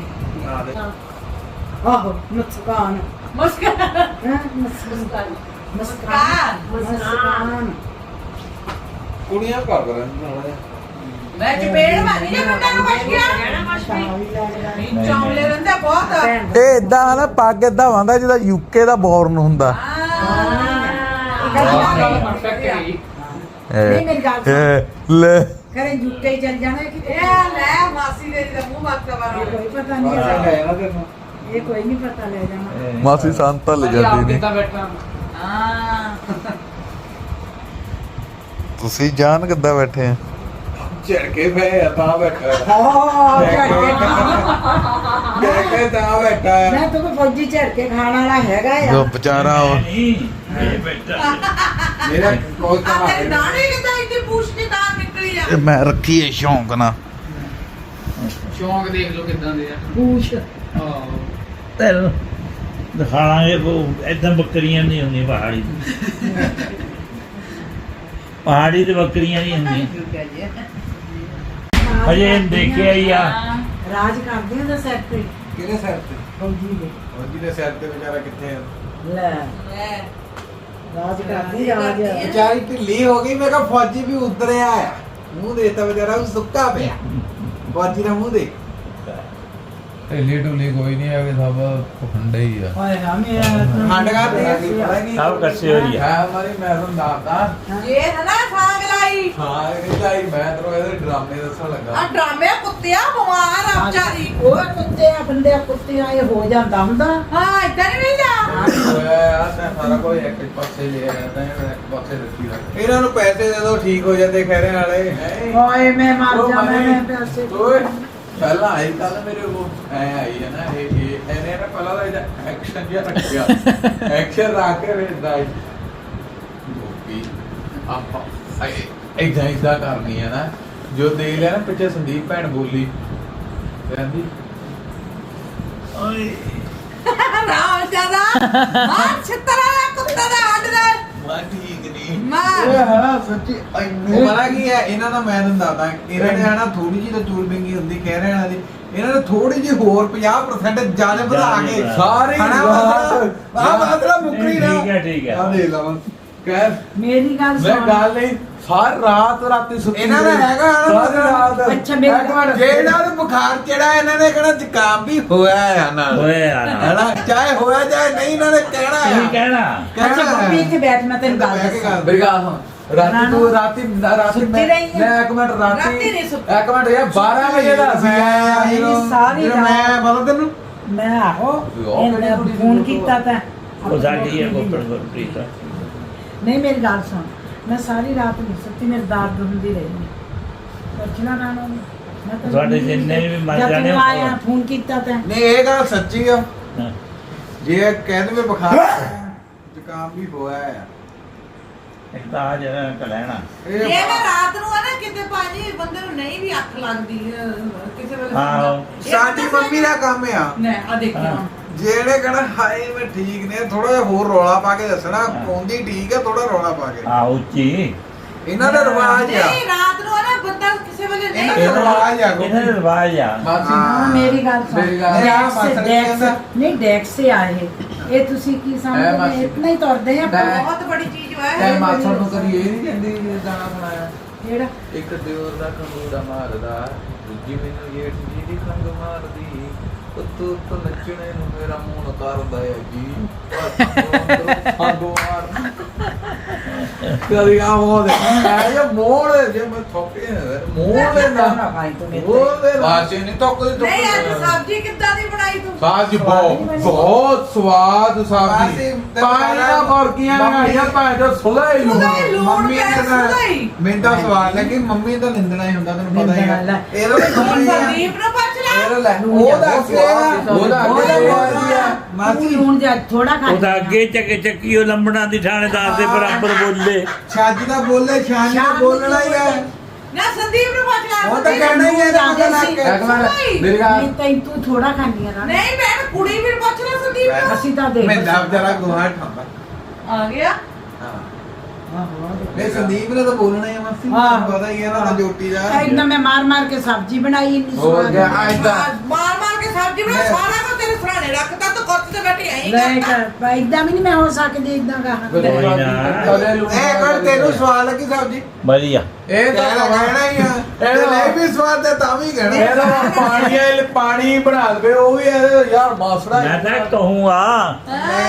ਆਹੋ ਮੁਸਕਾਨ
ਮੁਸਕਾਨ
ਹਾਂ ਮੁਸਕਾਨ ਮੁਸਕਾਨ ਮੁਸਕਾਨ
ਕੁੜੀਆਂ ਕਰ ਕਰਨ ਨਾਲ
ਮੈਂ ਚਪੇੜ ਮਾਰੀ ਜੇ ਬੰਦਾ ਨੂੰ ਕੁਛ ਗਿਆ ਨਹੀਂ ਚੌਂਲੇ ਰਹਿੰਦੇ ਬਹੁਤ
ਇਹ ਇਦਾਂ ਨਾ ਪੱਗ ਇਦਾਂ ਵਾਂਦਾ ਜਿਹਦਾ ਯੂਕੇ ਦਾ ਬੋਰਨ ਹੁੰਦਾ
ਪਰਫੈਕਟ ਹੈ
ਨਹੀਂ ਮੇਰੀ ਗੱਲ ਸੁਣ
ਇਹ ਲੈ
ਕਰੇ ਯੂਕੇ ਹੀ ਚੱਲ ਜਾਣਾ ਕਿ
ਇਹ ਲੈ ਮਾਸੀ ਦੇ ਦਾ ਮੂੰਹ ਮੱਤ ਵਾਲਾ
ਕੋਈ ਪਤਾ ਨਹੀਂ
ਬਸ
ਹੈ
ਹੈ ਨਾ ਤੈਨੂੰ
ਇਹ ਕੋਈ ਨਹੀਂ ਪਤਾ ਲੈ ਜਾਣਾ
ਮਾਸੀ ਸੰਤਾ ਲੈ ਜਾਂਦੀ ਨਹੀਂ
ਕਿੱਦਾਂ ਬੈਠਾ
ਹਾਂ
ਤੁਸੀਂ ਜਾਣ ਕਿੱਦਾਂ ਬੈਠੇ ਆ
ਝੜਕੇ ਪਏ ਆ ਤਾਂ ਬੈਠਾ ਹੈ।
ਹਾਂ
ਝੜਕੇ ਤਾਂ ਬੈਠਾ ਹੈ।
ਮੈਂ ਤਾਂ ਫੌਜੀ ਝੜ ਕੇ ਖਾਣ ਵਾਲਾ ਹੈਗਾ
ਜੋ
ਆ
ਵਿਚਾਰਾ ਉਹ
ਨਹੀਂ ਇਹ ਬੈਠਾ
ਮੇਰਾ ਕੋਈ ਤਾਂ
ਆ ਤੇਰੀ ਦਾੜੀ ਕਿਦਾਂ ਇੱਥੇ ਪੂਛ ਕੇ ਦਾੜ ਨਿਕਲੀ ਆ
ਇਹ ਮੈਂ ਰੱਖੀ ਏ ਸ਼ੌਂਕ ਨਾਲ
ਸ਼ੌਂਕ ਦੇਖ ਲਓ ਕਿਦਾਂ ਦੇ ਆ
ਪੂਛ
ਆਹੋ
ਤੈਨੂੰ ਦਿਖਾਵਾਂਗੇ ਉਹ ਏਦਾਂ ਬੱਕਰੀਆਂ ਨਹੀਂ ਹੁੰਦੀਆਂ ਪਹਾੜੀ ਦੀ ਪਹਾੜੀ ਤੇ ਬੱਕਰੀਆਂ ਨਹੀਂ ਹੁੰਦੀਆਂ ਹਜੇ ਇਹਨੂੰ ਦੇਖਿਆ ਹੀ ਆ
ਰਾਜ ਕਰਦੇ ਉਹਦਾ ਸਿਰ ਤੇ
ਕਿਹਦੇ ਸਿਰ ਤੇ
ਫੌਜੀ ਦੇ
ਫੌਜੀ ਦੇ ਸਿਰ ਤੇ ਵਿਚਾਰਾ ਕਿੱਥੇ ਆ
ਲੈ
ਲੈ
ਰਾਜ ਕਰਦੀ ਰਾਜ
ਵਿਚਾਰੀ ਢਿੱਲੀ ਹੋ ਗਈ ਮੈਂ ਕਿਹਾ ਫੌਜੀ ਵੀ ਉਤਰਿਆ ਆ ਮੂੰਹ ਦੇਤਾ ਵਿਚਾਰਾ ਉਹ ਸੁੱਕਾ ਪਿਆ ਫੌਜੀ ਦਾ ਮੂੰਹ ਦੇ
ਢਿੱਲੀ ਢੁੱਲੀ ਕੋਈ ਨਹੀਂ ਹੈਗੇ ਸਭ ਪਖੰਡੇ ਹੀ ਆ
ਹਾਏ ਹਾਂ ਮੇਰਾ
ਖੰਡ ਕਾ ਦੇਣਾ ਕੀ ਪਤਾ ਨਹੀਂ
ਸਭ ਕੱਸੇ ਹੋ ਰਹੀ ਆ
ਹੈ ਹਮਾਰੀ ਮੈਂ ਤੁਹਾਨੂੰ ਦੱਸਦਾ
ਜੇ ਹਨਾ ਸਾਗ ਲਾਈ
ਹਾਂ ਇਹ ਲਾਈ ਮੈਂ ਤੈਨੂੰ ਇਹਦੇ ਡਰਾਮੇ ਦੱਸਣ ਲੱਗਾ
ਆ ਡਰਾਮੇ ਕੁੱਤਿਆ ਬਿਮਾਰ ਆ ਵਿਚਾਰੀ
ਉਹ ਕੁੱਤੇ ਆ ਬੰਦੇ ਆ ਕੁੱਤੇ ਆ ਇਹ ਹੋ ਜਾਂਦਾ ਹੁੰਦਾ
ਹਾਂ ਇਦਾਂ ਨਹੀਂ ਮਿਲਦਾ
ਹੋਇਆ ਯਾਰ ਤਾਂ ਸਾਰਾ ਕੋਈ ਇੱਕ ਪਾਸੇ ਲੈ ਆਇਆ ਤਾਂ ਇੱਕ ਪਾਸੇ ਰੱਖੀ ਰੱਖ
ਇਹਨਾਂ ਨੂੰ ਪੈਸੇ ਦੇ ਦੋ ਠੀਕ ਹੋ ਜਾਂਦੇ ਖੈਰੇ ਵਾਲੇ
ਹਾਏ ਮੈਂ ਮਰ
ਉਹ
ਜਾਣਾ
ਮਰੇ।
ਮੈਂ ਪੈਸੇ
ਓਏ ਪਹਿਲਾਂ ਆਈ ਕੱਲ ਮੇਰੇ ਉਹ ਐ ਆਈ ਹੈ ਨਾ ਇਹ ਇਹ ਇਹਨੇ ਨਾ ਪਹਿਲਾਂ ਤਾਂ ਇਹਦਾ ਐਕਸ਼ਨ ਜਿਹਾ ਰੱਖਿਆ ਐਕਸ਼ਨ ਰੱਖ ਕੇ ਵੇਚਦਾ ਹੈ ਗੋਪੀ ਆਪਾਂ ਇਦਾਂ ਇਦਾਂ ਕਰਨੀ ਹੈ ਨਾ ਜੋ ਦੇ ਲਿਆ ਨਾ ਪਿੱਛੇ ਸੰਦੀਪ ਭੈਣ ਬੋਲੀ ਕਹਿੰਦੀ ਓਏ
ਰਾਮ ਜਿਆਦਾ ਮਾਰ ਛਤਰਾ ਕੁੱਤਾ ਦਾ ਹੱਡ ਦਾ
ਮਾ ਠੀਕ ਨਹੀਂ
ਮਾਰ
ਇਹ ਹਨਾ ਸੱਚੀ ਉਹ ਪਤਾ ਕੀ ਹੈ ਇਹਨਾਂ ਦਾ ਮੈਂ ਤੁਹਾਨੂੰ ਦੱਸਦਾ ਇਹਨਾਂ ਨੇ ਹਨਾ ਥੋੜੀ ਜਿਹੀ ਤਾਂ ਚੂਰ ਬਿੰਗੀ ਹੁੰਦੀ ਕਹਿ ਰਹੇ ਇਹਨਾਂ ਦੀ ਇਹਨਾਂ ਨੇ ਥੋੜੀ ਜਿਹੀ ਹੋਰ ਪੰਜਾਹ ਪ੍ਰਸੈਂਟ ਜ਼ਿਆਦਾ ਵਧਾ ਕੇ
ਸਾਰੀ
ਹਨਾ ਮਤਲਬ ਆ ਮਤਲਬ ਮੁਕਰੀ ਨਾ
ਠੀਕ ਹੈ ਠੀਕ
ਆ
ਹੈ
ਦੇ ਲਵਾਂ
ਕਹਿ
ਮੇਰੀ ਗੱਲ
ਮੈਂ
ਸੁਣ
ਗੱਲ ਨਹੀਂ ਸਾਰੀ ਰਾਤ ਰਾਤੀ ਸੁੱਤੀ
ਇਹਨਾਂ ਦਾ
ਰਹੀ।
ਹੈਗਾ ਹਨਾ
ਸਾਰੀ ਰਾਤ
ਅੱਛਾ, ਮੇਰੀ
ਇੱਕ ਮਿੰਟ, ਜੇ ਇਹਨਾਂ ਨੂੰ ਬੁਖਾਰ ਚੜਾ ਇਹਨਾਂ ਨੇ ਕਹਿਣਾ ਜ਼ੁਕਾਮ ਵੀ ਹੋਇਆ ਹੈ ਨਾਲ
ਓਏ ਯਾਰ
ਹਨਾ ਚਾਹੇ ਹੋਇਆ ਚਾਹੇ ਨਹੀਂ ਇਹਨਾਂ ਨੇ ਕਹਿਣਾ
ਕੀ
ਹੈ
ਕਹਿਣਾ
ਅੱਛਾ ਗੋਪੀ ਇੱਥੇ ਬੈਠ ਮੈਂ ਤੈਨੂੰ ਗੱਲ
ਬਹਿ ਕੇ
ਦੱਸਾਂ
ਗੱਲ
ਮੇਰੀ ਗੱਲ ਸੁਣ ਰਾਤੀ ਤੂੰ ਰਾਤੀ ਰਾਤੀ
ਸੁੱਤੀ
ਮੈਂ
ਰਹੀ ਹੈ?
ਮੈਂ ਇੱਕ ਮਿੰਟ
ਰਾਤੀ
ਰਾਤੀ
ਨਹੀਂ ਸੁੱਤੀ।
ਇੱਕ ਮਿੰਟ ਯਾਰ ਬਾਰਾਂ ਵਜੇ ਦਾ ਸੀ
ਮੇਰੀ ਸਾਰੀ
ਜਦੋਂ ਮੈਂ ਪਤਾ ਤੈਨੂੰ
ਮੈਂ ਆਹੋ
ਉਹ
ਇਹਨੇ ਫੋਨ ਕੀਤਾ ਤਾਂ
ਉਹ ਸਾਡੀ ਹੈ ਗੋਪੜ ਗੁਰਪ੍ਰੀਤ
ਨਹੀਂ ਮੇਰੀ ਗੱਲ ਸੁਣ ਮੈਂ ਸਾਰੀ ਰਾਤ ਨਹੀਂ ਸੁੱਤੀ ਮੇਰੇ ਦਰਦ ਹੁੰਦੀ ਰਹੀ ਪੁੱਛਣਾ ਨਾ ਨਾ ਮੈਂ ਤਾਂ
ਤੁਹਾਡੇ ਜਿੰਨੇ ਵੀ ਮਰ
ਜਦ
ਜਾਣੇ
ਤੂੰ
ਉਹ-
ਆਇਆ ਫੋਨ ਕੀਤਾ ਤਾਂ
ਨਹੀਂ ਇਹ ਗੱਲ ਸੱਚੀ ਆ ਜੇ ਕਹਿ ਦੇਵੇ ਬੁਖਾਰ ਜ਼ੁਕਾਮ ਵੀ ਹੋਇਆ ਆ
ਇੱਕ ਤਾਂ ਆ ਜਿਹੜਾ ਕਲੈਣਾ
ਇਹ ਨਾ ਰਾਤ ਨੂੰ ਆ ਨਾ ਕਿਤੇ ਭਾਜੀ ਬੰਦੇ ਨੂੰ ਨਹੀਂ ਵੀ ਅੱਖ ਲੱਗਦੀ ਅਹ, ਕਿਸੇ ਵੇਲੇ
ਆਹੋ।
ਇਹ
ਸਾਡੀ
ਪਤਾ
ਮੰਮੀ ਦਾ ਕੰਮ ਆ
ਨਾ ਆ ਦੇਖਿਓ
ਹਾਂ।
ਜਿਹੜੇ ਕਹਣਾ ਹਾਏ ਮੈਂ ਠੀਕ ਨੇ ਥੋੜਾ ਜਿਹਾ ਹੋਰ ਰੌਲਾ ਪਾ ਕੇ ਦੱਸਣਾ ਪੌਂਦੀ ਠੀਕ ਹੈ ਥੋੜਾ ਰੌਲਾ ਪਾ ਕੇ
ਆ ਉੱਚੀ
ਇਹਨਾਂ ਦਾ ਰਿਵਾਜ ਆ
ਨਹੀਂ ਰਾਤ ਨੂੰ ਆ ਨਾ ਬੰਦਾ ਕਿਸੇ ਵੇਲੇ ਨਹੀਂ
ਇਹਨਾਂ ਦਾ ਰਿਵਾਜ ਆ
ਇਹਨਾਂ ਦਾ ਰਿਵਾਜ ਆ
ਮਾਸੀ
ਹਾਂ ਮੇਰੀ ਗੱਲ ਸੁਣ
ਮੇਰੀ ਗੱਲ-
ਡੈਕਸ
ਮਾਸੜ ਜੀ
ਡੈਕਸ
ਕਹਿੰਦਾ-
ਨਹੀਂ ਡੈਕਸ ਸੇ ਆਏ ਇਹ ਤੁਸੀਂ ਕੀ
ਐ
ਸਮਝਦੇ
ਮਾਸੀ।
ਇਤਨਾ ਹੀ ਤੁਰਦੇ ਆ
ਮੈਂ-
ਬਹੁਤ ਬੜੀ ਚੀਜ਼
ਤੈ
ਹੈ
ਮਾਸੜ ਨੂੰ ਕਦੀ ਇਹ ਨਹੀਂ ਕਹਿੰਦੀ ਵੀ ਗਾਣਾ ਸੁਣਾਇਆ
ਜਿਹੜਾ
ਇੱਕ ਦਿਓਰ ਦਾ ਖੰਗੂੜਾ ਮਾਰਦਾ ਦੂਜੀ ਮੈਨੂੰ ਜੇਠ ਜੀ ਦੀ ਖੰਗ ਮਾਰਦੀ ਉੱਤੋਂ ਉੱਤੋਂ ਨੱਚਣੇ ਨੂੰ ਮੇਰਾ ਮੂੰਹ ਕਰਦਾ ਹੈ ਜੀ ਖੰਗੋ ਮਾਰ ਕਦੀ ਆ ਮੋੜ ਐ ਜੇ ਮੋੜ ਜੇ ਮੈਂ ਥੋਕੇ ਮੋੜ ਦੇ ਨਾ ਮੋੜ ਦੇ ਬਾਚੇ ਨਹੀਂ ਤੋਕਦੀ
ਨਹੀਂ ਅੱਜ ਸਬਜ਼ੀ ਕਿੱਦਾਂ ਦੀ ਬਣਾਈ ਤੂੰ
ਸਾਜੀ ਬਹੁਤ ਬਹੁਤ ਸਵਾਦ ਸਬਜ਼ੀ ਪਾਣੀ ਦਾ ਬਰਕੀਆਂ ਆਈਆਂ ਭਾਂ ਜੋ ਸੁਲਾ ਹੀ
ਸੁਲਾ ਹੀ ਲੂਣ
ਮੰਮੀ
ਪੈ
ਨੇ
ਸੁਲਾ ਹੀ।
ਮੈਨੂੰ ਤਾਂ ਸਵਾਲ ਲੱਗੀ ਮੰਮੀ ਤਾਂ ਨਿੰਦਣਾ ਹੀ ਹੁੰਦਾ ਤੈਨੂੰ ਪਤਾ ਹੀ
ਨਿੰਦਣਾ
ਹੈ
ਲੈ।
ਇਹਦਾ ਵੀ ਮੰਮੀ ਆ
ਸੰਦੀਪ ਨੂੰ ਪੁੱਛ ਲੈ
ਇਹ ਲੈ
ਉਹਦਾ
ਉਹਦਾ
ਤੂੰ
ਮਾਸੀ
ਲੂਣ ਜਿਹਾ ਥੋੜਾ ਖਾ
ਉਹਦਾ ਅੱਗੇ ਚੱਕ ਚੱਕੀ ਉਹ ਲੰਬੜਾਂ ਦੀ ਥਾਣੇਦਾਰ ਦੇ ਬਰਾਬਰ ਬੋਲੇ
ਛੱਜ ਦਾ ਬੋਲੇ ਛਾਨ ਦਾ ਬੋਲਣਾ ਹੀ ਹੈ
ਨਾ ਸੰਦੀਪ ਨੂੰ ਪੁੱਛ ਲੈ
ਉਹ ਤਾਂ ਕਹਿਣਾ ਹੀ ਹੈ ਇਹਦਾ ਪਤਾ ਲੱਗ
ਇੱਕ
ਕੇ
ਮਿੰਟ ਮੇਰੀ ਗੱਲ
ਨਹੀਂ ਤੈਨੂੰ ਤੂੰ ਥੋੜਾ ਖਾਣੀ ਆ ਨਾ
ਨਹੀਂ ਮੈਂ ਕੁੜੀ ਵੀ ਪੁੱਛ ਲੈ ਸੰਦੀਪ ਨੂੰ
ਅਸੀਂ ਤਾਂ ਦੇਖ
ਮੈਂ ਦਬ ਜਰਾ ਗੁਹਾਰ ਠਾਂਦਾ
ਆ ਗਿਆ
ਨਹੀਂ ਸੰਦੀਪ ਨੇ ਤਾਂ ਬੋਲਣਾ ਹੀ ਹੈ ਮਾਸੀ
ਹਾਂ।
ਤੁਹਾਨੂੰ ਪਤਾ ਹੀ ਹੈ ਨਾ ਜੋਟੀ ਦਾ
ਇਦਾਂ ਮੈਂ ਮਾਰ ਮਾਰ ਕੇ ਸਬਜ਼ੀ ਬਣਾਈ ਇੰਨੀ
ਹੋ
ਸਵਾਦ
ਗਿਆ ਐਦਾਂ
ਮਾਰ ਮਾਰ ਕੇ ਸਬਜ਼ੀ ਬਣਾ
ਲੈ।
ਸਾਰਾ ਕੁਝ ਤੇਰੇ ਸਰਾਣੇ ਰੱਖਦਾ ਤੂੰ ਕੁੱਤ ਤੇ ਬੈਠੀ ਐਂ
ਲੈ
ਕਰਦਾ
ਕਰ ਇਦਾਂ ਵੀ ਨਹੀਂ ਮੈਂ ਹੋ ਸਕਦੀ ਇਦਾਂ ਗਾ
ਇਹ ਕਰ ਤੈਨੂੰ ਸਵਾਲ ਲੱਗੀ ਸਬਜੀ
ਵਧੀਆ
ਇਹ ਤਾਂ
ਕਹਿਣਾ ਹੀ ਆ ਇਹ ਨਹੀਂ ਵੀ ਸਵਾਦ ਤੇ ਤਾਂ ਵੀ
ਇਹ
ਕਹਿਣਾ
ਤਾਂ ਪਾਣੀ ਇਹ ਪਾਣੀ ਬਣਾ ਲਵੇ ਉਹ ਵੀ ਇਹ ਯਾਰ ਮਾਸੜਾ
ਮੈਂ ਤਾਂ ਕਹੂੰਗਾ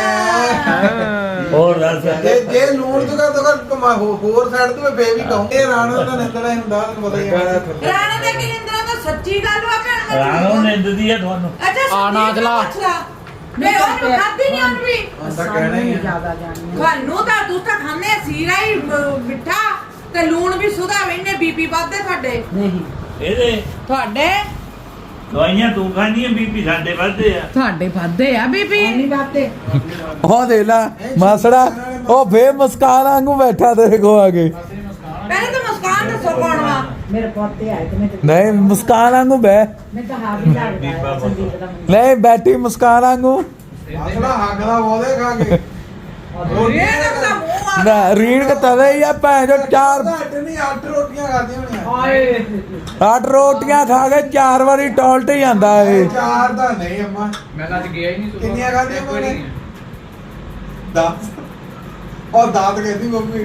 ਹੋਰ ਦੱਸ
ਜੇ ਜੇ ਲੂਣ ਤੋਂ ਕਰ ਤਾਂ ਹੋਰ ਸਾਈਡ ਤੋਂ ਫੇਰ ਵੀ ਕਹੂੰ ਇਹ ਰਾਣੋ ਦਾ ਨਿੰਦਣਾ ਹੀ ਹੁੰਦਾ ਤੁਹਾਨੂੰ ਪਤਾ ਹੀ ਹੈ
ਰਾਣੇ ਦੇ ਕਿੰਦਰਾ ਤਾਂ ਸੱਚੀ ਗੱਲ ਵਾ ਭੈਣ ਮੈਂ
ਰਾਣੋ ਨਿੰਦਦੀ ਆ ਤੁਹਾਨੂੰ
ਅੱਛਾ
ਆ ਨਾ ਚਲਾ।
ਮੈਂ ਉਹ ਖਾਦੀ ਨਹੀਂ ਉਹਨੂੰ ਵੀ
ਹੁਣ ਤਾਂ ਕਹਿਣਾ ਹੀ ਆ
ਜ਼ਿਆਦਾ ਜਾਣੀ
ਤੁਹਾਨੂੰ ਤਾਂ ਤੂੰ ਤਾਂ ਖਾਂਦੇ ਆ ਸੀਰਾ ਹੀ ਮ- ਮਿੱਠਾ ਤੇ ਲੂਣ ਵੀ ਸੁਧਾ ਵੈਨੇ ਬੀਪੀ ਵੱਧਦੇ ਤੁਹਾਡੇ
ਨਹੀਂ
ਇਹਦੇ
ਤੁਹਾਡੇ
ਦਵਾਈਆਂ ਤੂੰ ਖਾਣੀਆਂ ਬੀਪੀ ਸਾਡੇ ਵੱਧਦੇ ਆ
ਤੁਹਾਡੇ ਵੱਧਦੇ ਆ ਬੀਪੀ
ਨਹੀਂ ਬਾਤੇ
ਉਹ ਦੇ ਲਾ ਮਾਸੜਾ ਉਹ ਫੇਰ ਮੁਸਕਾਨ ਵਾਂਗੂ ਬੈਠਾ ਤੇਰੇ ਕੋ ਆ ਕੇ
ਪਹਿਲੇ ਤਾਂ ਮੁਸਕਾਨ ਦੱਸੋ ਕੌਣ ਵਾ
ਮੇਰੇ ਪੋਤੇ ਆਏ ਤੇ ਮੈਂ ਤੇ
ਨਹੀਂ ਮੁਸਕਾਨ ਵਾਂਗੂ ਬੈ
ਮੈਂ ਤਾਂ ਹਾਂ ਵੀ ਲੱਗਦਾ ਹੈ ਸੰਦੀਪ ਦਾ ਮੁੰਡਾ।
ਨਹੀਂ ਬੈਠੀ ਮੁਸਕਾਨ ਵਾਂਗੂ
ਅਸਲਾ ਹੱਕ ਦਾ ਬੋਲੇ ਖਾ ਕੇ
ਇਹ ਤਾਂ ਉਹਦਾ ਮੂੰਹ ਆ
ਨਾ ਰੀੜ ਕੇ ਤਵੇ ਹੀ ਆ ਭੈਣ ਜੋ ਚਾਰ
ਘੱਟ ਨਹੀਂ ਅੱਠ ਰੋਟੀਆਂ ਖਾਦੀਆਂ ਹੋਣੀਆਂ
ਹਾਏ
ਅੱਠ ਰੋਟੀਆਂ ਖਾ ਕੇ ਚਾਰ ਵਾਰੀ ਟੋਲਟ ਹੀ ਜਾਂਦਾ ਏ
ਚਾਰ ਤਾਂ ਨਹੀਂ ਅੰਮਾ
ਮੈਂ ਤਾਂ ਅੱਜ ਗਿਆ ਹੀ ਨਹੀਂ ਸੁਬਹ।
ਕਿੰਨੀਆਂ ਖਾਧੀਆਂ
ਇੱਕ ਵਾਰੀ
ਉਹਨੇ? ਦਸ ਉਹ ਦਾਤ ਕਹਿੰਦੀ ਮੰਮੀ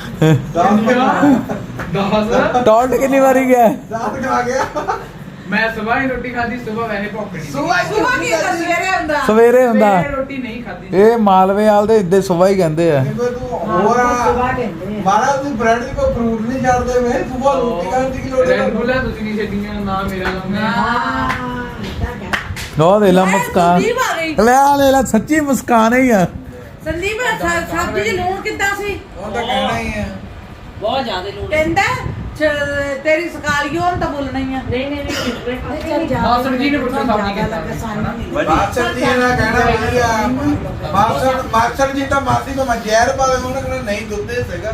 ਦਾਤ
ਦਸ
ਟੋਲਟ ਕਿੰਨੀ ਵਾਰੀ ਗਿਆ
ਦਾਤ ਖਾ ਗਿਆ
ਮੈਂ ਸਵੇਰ ਹੀ ਰੋਟੀ ਖਾਧੀ ਸਵੇਰ ਵੈਸੇ ਭੁੱਖ ਨਹੀਂ ਸੀ।
ਸੁਬਾਹ
ਸੁਬਾ ਕੀ ਹੁੰਦਾ ਸਵੇਰੇ ਹੁੰਦਾ
ਸਵੇਰੇ ਹੁੰਦਾ
ਸਵੇਰੇ ਰੋਟੀ ਨਹੀਂ ਖਾਧੀ
ਇਹ ਮਾਲਵੇ ਵਾਲ ਦੇ ਇੱਦੇ ਸੁਬਹ ਹੀ ਕਹਿੰਦੇ ਆ
ਤੂੰ
ਹਾਂ,
ਹੋਰ
ਸੁਬਾਹ ਕਹਿੰਦੇ ਆ।
ਮਾਰਾ ਤੂੰ ਬ੍ਰੈਡ ਦੀ ਕੋਈ ਫਰੂਟ ਨਹੀਂ ਛੱਡਦੇ ਵੇ ਸੁਬਾਹ ਰੋਟੀ ਖਾਣ ਦੀ ਕੀ ਲੋੜ ਹੈ
ਰੈਡ ਬੁੱਲ ਆ, ਤੁਸੀਂ ਨਹੀਂ ਛੱਡੀਆਂ ਨਾ ਮੇਰਾ ਨਾਮ ਹੈ
ਹਾਂ ਇਦਾਂ ਕਹਿ
ਉਹ ਦੇ ਲਾ
ਮੈਂ
ਮੁਸਕਾਨ
ਸੰਦੀਪ ਆ ਗਈ
ਲੈ ਆ ਲੈ ਲਾ ਸੱਚੀ ਮੁਸਕਾਨ ਹੀ ਆ
ਸੰਦੀਪ ਸ- ਸਬਜ਼ੀ ਚ ਲੂਣ ਕਿੱਦਾਂ ਸੀ
ਉਹ ਤਾਂ ਕਹਿਣਾ ਹੀ ਹੈ
ਬਹੁਤ ਜ਼ਿਆਦਾ ਲੋੜ
ਕਹਿੰਦਾ ਚ- ਤੇਰੀ ਸਕਾਲੀਓ ਹੁਣ ਤਾਂ ਬੋਲਣਾ ਹੀ ਆ
ਨਹੀਂ ਨਹੀਂ ਨਹੀਂ
ਮਾਸੜ ਜੀ ਨੇ ਪੁੱਛਿਆ ਸਬਜ਼ੀ
ਜ਼ਿਆਦਾ
ਕਿੱਦਾਂ
ਸਾਨੂੰ ਨਹੀਂ
ਮਾਸਟਰ ਜੀ ਨੇ ਕਹਿਣਾ ਵਧੀਆ ਮਾਸਟਰ ਮਾਸਟਰ ਜੀ ਤਾਂ ਮਾਸੀ ਕੋ ਮੈਂ ਜ਼ਹਿਰ ਪਾਵੇ ਉਹਨਾਂ ਕਹਿੰਦਾ ਨਹੀਂ ਦੁੱਧ ਦੇ ਸੀਗਾ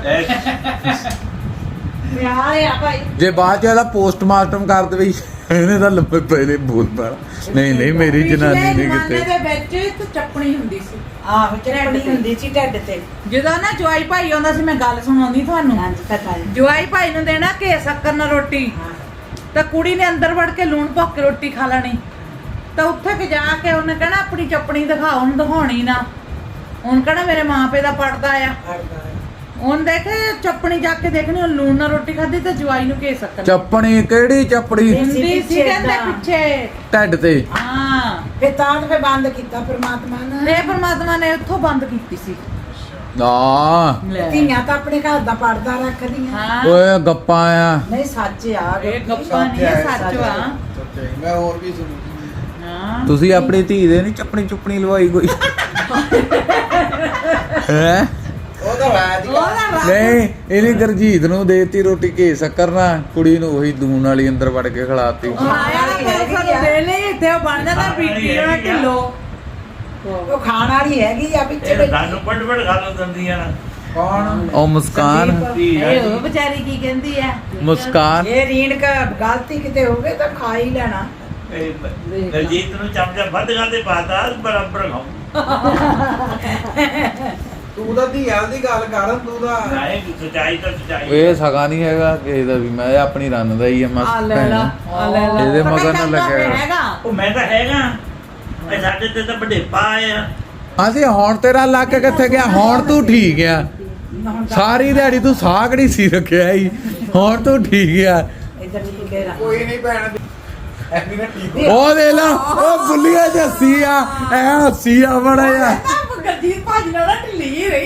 ਪਿਆਰ ਆ ਭਾਈ
ਜੇ ਬਾਅਦ ਚ ਇਹਦਾ ਪੋਸਟਮਾਰਟਮ ਕਰ ਦੇਵੇ ਇਹਨੇ ਤਾਂ ਲੰਬੇ ਪਹਿਲੇ ਬੋਲ ਪਾਣਾ ਨਹੀਂ ਨਹੀਂ ਮੇਰੀ ਜਨਾਨੀ ਨਹੀਂ
ਪਿਛਲੇ ਜ਼ਮਾਨੇ
ਕਿਤੇ
ਦੇ ਵਿੱਚ ਇੱਕ ਚੱਪਣੀ ਹੁੰਦੀ ਸੀ
ਆਹੋ ਚੜ੍ਹਨੀ ਹੁੰਦੀ ਸੀ ਢੱਡ ਤੇ
ਜਦੋਂ ਨਾ ਜਵਾਈ ਭਾਈ ਆਉਂਦਾ ਸੀ ਮੈਂ ਗੱਲ ਸੁਣਾਉਂਦੀ ਤੁਹਾਨੂੰ
ਹਾਂਜੀ ਪਤਾ ਹੈ
ਜਵਾਈ ਭਾਈ ਨੂੰ ਦੇਣਾ ਘੇ ਸ਼ੱਕਰ ਨਾਲ ਰੋਟੀ ਤਾਂ ਕੁੜੀ ਨੇ ਅੰਦਰ ਵੜ ਕੇ ਲੂਣ ਭੁੱਕ ਕੇ ਰੋਟੀ ਖਾ ਲੈਣੀ ਤਾਂ ਉੱਥੇ ਕਿ ਜਾ ਕੇ ਉਹਨੇ ਕਹਿਣਾ ਆਪਣੀ ਚੱਪਣੀ ਦਿਖਾਓ ਉਹਨੂੰ ਦਿਖਾਉਣੀ ਨਾ ਉਹਨ ਕਹਿਣਾ ਮੇਰੇ ਮਾਂ ਪਿਓ ਦਾ ਪੜਦਾ ਆ ਉਹਨ ਦੇਖੇ ਚੱਪਣੀ ਜਾ ਕੇ ਦੇਖਣੀ ਉਹ ਲੂਣ ਨਾਲ ਰੋਟੀ ਖਾਧੀ ਤੇ ਜਵਾਈ ਨੂੰ ਘੇ ਸ਼ੱਕਰ
ਚੱਪਣੀ ਕਿਹੜੀ ਚੱਪੜੀ
ਹੁੰਦੀ ਸੀ ਕਹਿੰਦੇ ਪਿੱਛੇ
ਢੱਡ ਤੇ
ਹਾਂ
ਫਿਰ ਤਾਂ ਫੇ ਬੰਦ ਕੀਤਾ ਪ੍ਰਮਾਤਮਾ ਨੇ
ਤੇ ਪਰਮਾਤਮਾ ਨੇ ਉੱਥੋਂ ਬੰਦ ਕੀਤੀ ਸੀ
ਨਾ
ਧੀਆਂ ਤਾਂ ਆਪਣੇ ਘਰ ਦਾ ਪਰਦਾ ਰੱਖਦੀਆਂ
ਹਾਂ
ਓਏ ਗੱਪਾਂ ਆ
ਨਹੀਂ ਸੱਚ ਆ
ਇਹ ਗੱਪਾਂ ਨਹੀਂ ਇਹ ਸੱਚ ਵਾ
ਮੈਂ ਹੋਰ ਵੀ ਸੁਣੀ
ਹਾਂ
ਤੁਸੀਂ ਆਪਣੀ ਧੀ ਦੇ ਨਹੀਂ ਚੱਪਣੀ ਚੁੱਪਣੀ ਲਵਾਈ ਕੋਈ ਹੈ
ਉਹ ਤਾਂ ਰਾਜ
ਉਹਦਾ ਰੱਬ
ਨਹੀਂ ਇਹਨੇ ਗਰਜੀਤ ਨੂੰ ਦੇਤੀ ਰੋਟੀ ਘੇ ਸ਼ੱਕਰ ਨਾ ਕੁੜੀ ਨੂੰ ਉਹੀ ਦੂਨ ਵਾਲੀ ਅੰਦਰ ਵੜ ਕੇ ਖਿਲਾਤੀ
ਆਇਆ ਨਾ ਸਾਨੂੰ ਦੇ ਲਈ ਇੱਥੇ ਉਹ ਬਣ ਜਾਂਦਾ ਬੀਬੀ ਉਹਨਾਂ ਢਿੱਲੋ
ਉਹ ਖਾਣ ਵਾਲੀ ਹੈਗੀ ਆ ਪਿੱਛੇ
ਇਹ ਸਾਨੂੰ ਪੜ ਪੜ ਖਾ ਲੋ ਦੰਦੀਆਂ ਨਾ
ਕੌਣ
ਉਹ ਮੁਸਕਾਨ
ਇਹ ਉਹ ਵਿਚਾਰੀ ਕੀ ਕਹਿੰਦੀ ਆ
ਮੁਸਕਾਨ
ਇਹ ਰੀਣ ਕਾ ਗਲਤੀ ਕਿਤੇ ਹੋਵੇ ਤਾਂ ਖਾ ਹੀ ਲੈਣਾ।
ਦਲਜੀਤ ਨੂੰ ਚਮਚਾ ਵੱਧ ਖਾਂਦੇ ਪਾਤਾ ਬਰਾਬਰ ਖਾਓ
ਤੂੰ ਤਾਂ ਧੀਆਂ ਦੀ ਗੱਲ ਕਰ ਤੂੰ ਤਾਂ
ਨਹੀਂ ਸਚਾਈ ਤਾਂ ਸਚਾਈ
ਇਹ ਸਗਾ ਨਹੀਂ ਹੈਗਾ ਕਿਸੇ ਦਾ ਵੀ ਮੈਂ ਇਹ ਆਪਣੀ ਰੰਨ ਦਾ ਹੀ ਆ
ਆ
ਮਸਤ
ਲੈ ਲਾ ਆ ਲੈ ਲਾ
ਇਹਦੇ
ਪਤਾ
ਮਗਰ ਨਾ
ਚੱਲਦਾ
ਲੱਗਿਆ
ਪਿਆ ਹੈਗਾ
ਉਹ ਮੈਂ ਤਾਂ ਹੈਗਾ ਇਹ ਸਾਡੇ ਤੇ ਤਾਂ ਵੱਡੇ ਪਾਏ ਆ
ਅਸੀਂ ਹੁਣ ਤੇਰਾ ਲੱਕ ਕਿੱਥੇ ਗਿਆ ਹੁਣ ਤੂੰ ਠੀਕ ਆ ਸਾਰੀ ਦਿਹਾੜੀ ਤੂੰ ਸਾਗੜੀ ਸੀ ਰੱਖਿਆ ਹੀ ਹੁਣ ਤੂੰ ਠੀਕ ਆ
ਇੱਧਰ ਠੀਕ ਹੈ
ਕੋਈ ਨਹੀਂ ਭੈਣ ਐਨੀ ਨਾ ਠੀਕ
ਉਹ ਦੇ ਲਾ ਉਹ ਬੁੱਲੀਆ ਜੱਸੀ ਆ ਐ ਹੱਸੀ ਆ ਬੜਾ ਆ
ਗਰਜੀਤ ਭਾਜੀ ਨਾਲ ਨਾ ਢਿੱਲੀ ਹੀ ਰਹੀ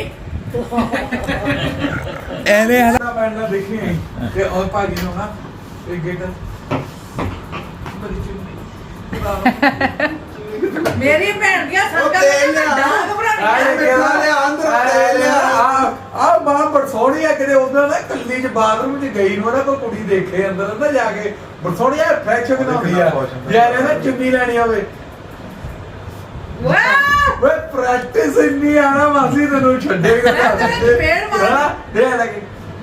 ਐਵੇਂ ਹਨਾ
ਨਾ ਭੈਣ ਨਾ ਦੇਖੀ ਤੇ ਉਹ ਭਾਜੀ ਨੂੰ ਨਾ ਇਹ ਗੇਟ ਬੜੀ ਚੁੰਨੀ
ਮੇਰੀ ਭੈਣ ਗਿਆ
ਉਹ
ਸੰਗਤ
ਤੇਲ ਲਿਆ
ਡਾਂਗ
ਆਏ
ਬਣਾਉਣੀ
ਕਿਹਦਾ ਲਿਆ ਅੰਦਰ ਤੇਲ ਲਿਆ ਆ ਆ ਮਾਂ ਬਰਸੋਣੀ ਆ ਕਿਤੇ ਉਧਰ ਨਾ ਕੱਲੀ ਚ ਬਾਥਰੂਮ ਚ ਗਈ ਨੂੰ ਨਾ ਕੋਈ ਕੁੜੀ ਦੇਖੇ ਅੰਦਰ ਨਾ ਜਾ ਕੇ ਬਰਸੋਣੀ ਆ ਫਰੈਸ਼ ਬਣਾਉਂਦੀ ਆ ਯਾਰ ਨਾ ਚੁੰਨੀ ਲੈਣੀ ਹੋਵੇ
ਵਾਹ
ਵੇ ਪ੍ਰੈਕਟਿਸ ਇੰਨੀ ਆਣਾ ਮਾਸੀ ਤੈਨੂੰ ਛੱਡੇਗਾ
ਮੈਂ ਤੇਰੇ ਚਪੇੜ ਮਾਰ-
ਹਾਂ ਦੇ ਲੱਗੇ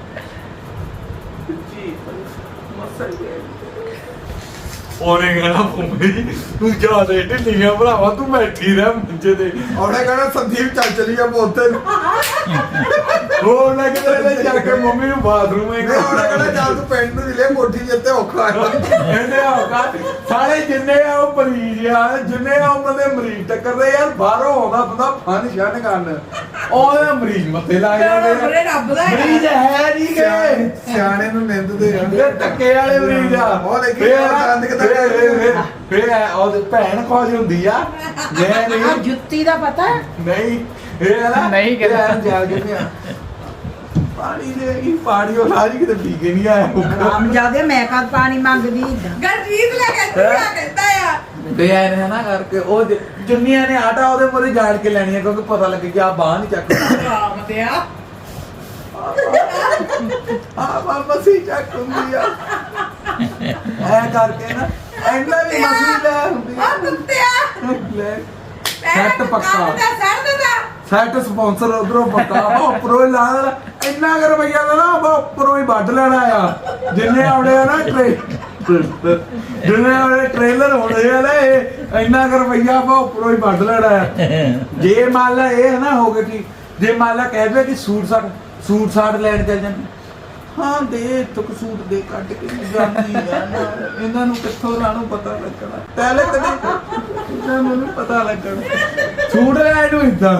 ਉਹਨੇ ਕਹਿਣਾ ਭੁੰਮੀ ਤੂੰ ਜਾ ਦੇ ਢਿੱਲੀਆਂ ਭਰਾਵਾ ਤੂੰ ਬੈਠੀ ਰਹਿ ਮੰਜੇ ਤੇ
ਉਹਨੇ ਕਹਣਾ ਸੰਦੀਪ ਚੱਲ ਚਲੀ ਜਾ ਬੋਤੇ ਨੂੰ
ਹੋਰ ਨਾ ਕਿਤੇ ਜਾ ਕੇ ਮੰਮੀ ਨੂੰ ਬਾਥਰੂਮ
ਨਹੀਂ ਉਹਨੇ ਕਹਣਾ ਚੱਲ ਤੂੰ ਪਿੰਡ ਨੂੰ ਲੈ ਮੋਠੀ ਜਿੱਤੇ ਔਖਾ ਹੈ
ਇਹਨੇ ਹੋਗਾ ਸਾਰੇ ਜਿੰਨੇ ਆ ਉਹ ਮਰੀਜ਼ ਆ ਜਿੰਨੇ ਆ ਉਹਨਾਂ ਦੇ ਮਰੀਜ਼ ਟੱਕਰਦੇ ਯਾਰ ਬਾਹਰੋਂ ਆਉਂਦਾ ਬੰਦਾ ਫਨ ਸ਼ਨ ਕਰਨ ਉਹਦੇ ਮਰੀਜ਼ ਮੱਥੇ ਲਾ ਜਾਂਦੇ
ਬੜੇ
ਆ
ਰੱਬ ਦਾ ਹੈਗਾ।
ਮਰੀਜ਼ ਹੈ ਨਹੀਂ ਗਏ
ਸਿਆਣੇ ਨੂੰ ਨਿੰਦਦੇ ਆ
ਇਹ ਟੱਕੇ ਵਾਲੇ ਮਰੀਜ਼ ਆ
ਉਹ ਦੇਖੀ
ਫੇਰ-
ਦੰਦ ਕਿੱਦਾਂ
ਫੇਰ-
ਕੱਢਦੇ
ਫੇਰ- ਫੇਰ ਇਹ ਉਹਦੀ ਭੈਣ ਖੋਜ ਹੁੰਦੀ ਆ ਮੈਂ
ਆ
ਨਹੀਂ
ਜੁੱਤੀ ਦਾ ਪਤਾ
ਨਹੀਂ ਇਹ ਹੈ ਨਾ
ਨਹੀਂ ਕਿਤੇ।
ਇਹ ਜਾ ਕੇ ਨਹੀਂ ਆ ਪਾਣੀ ਦੇ ਇਹ ਪਾਣੀ ਉਹ ਸਾਰੀ ਕਿਤੇ ਪੀ ਕੇ ਨਹੀਂ ਆਇਆ
ਰਾਮ ਜਾਦੇ ਮੈਂ ਕਦ ਪਾਣੀ ਮੰਗਦੀ ਏਦਾਂ।
ਗਰਜੀਤ ਲੈ ਕੇ ਕੀ ਕਹਿੰਦਾ ਆ
ਤੇ ਐ ਨੇ ਨਾ ਕਰਕੇ ਉਹ ਜ- ਜੁੰਨੀਆਂ ਨੇ ਆਟਾ ਉਹਦੇ ਮੋਰੇ ਜਾੜ ਕੇ ਲੈਣੀ ਆ ਕਿਉਂਕਿ ਪਤਾ ਲੱਗੇ ਕਿ ਆ ਬਾਹ ਨਹੀਂ ਚੱਕਦੀ
ਰਾਮ ਤੇ ਆ
ਆ ਬਾਬਾ ਸੀ ਚੱਕ ਹੁੰਦੀ ਆ ਐ ਕਰਕੇ ਨਾ ਐਂਦਾ ਵੀ ਮਸਲੀ ਲੈ ਹੁੰਦੀ
ਆ ਕੁੱਤਿਆ
ਲੈ ਸੈੱਟ ਪੱਕਾ
ਸੜ ਦਿੱਤਾ
ਸੈੱਟ ਸਪਾਂਸਰ ਉਧਰੋਂ ਪੱਕਾ ਉਹ ਉੱਪਰੋਂ ਹੀ ਲਾ ਲੈਣਾ ਇੰਨਾ ਕੁ ਰੁਪਈਆ ਦਾ ਨਾ ਉਹ ਉੱਪਰੋਂ ਹੀ ਵੱਢ ਲੈਣਾ ਆ ਜਿੰਨੇ ਆਉਣੇ ਆ ਨਾ ਟ੍ਰੇ ਜਿੰਨੇ ਆਉਣੇ ਟ੍ਰੇਲਰ ਹੋਣੇ ਆ ਨਾ ਇਹ ਇੰਨਾ ਕੁ ਰੁਪਈਆ ਆਪਾਂ ਉੱਪਰੋਂ ਹੀ ਵੱਢ ਲੈਣਾ ਆ ਜੇ ਮੰਨ ਲਾ ਇਹ ਨਾ ਹੋ ਗਿਆ ਕਿ ਜੇ ਮੰਨ ਲਾ ਕਹਿ ਦੇ ਕਿ ਸੂਟ ਸਾਟ ਸੂਟ ਸਾਟ ਲੈਣ ਚੱਲ ਜਾਂਦੇ ਹਾਂ ਦੇ ਤੁਕ ਸੂਟ ਦੇ ਕੱਢ ਕੇ ਜਾਂਦੀ ਆ ਨਾ ਇਹਨਾਂ ਨੂੰ ਕਿੱਥੋਂ ਰਾਣੂ ਪਤਾ ਲੱਗਣਾ ਪਹਿਲੇ ਕਦੇ ਇਹਨਾਂ ਨੂੰ ਨੀ ਪਤਾ ਲੱਗਣਾ ਸੂਟ ਲੈਣ ਨੂੰ ਇਦਾਂ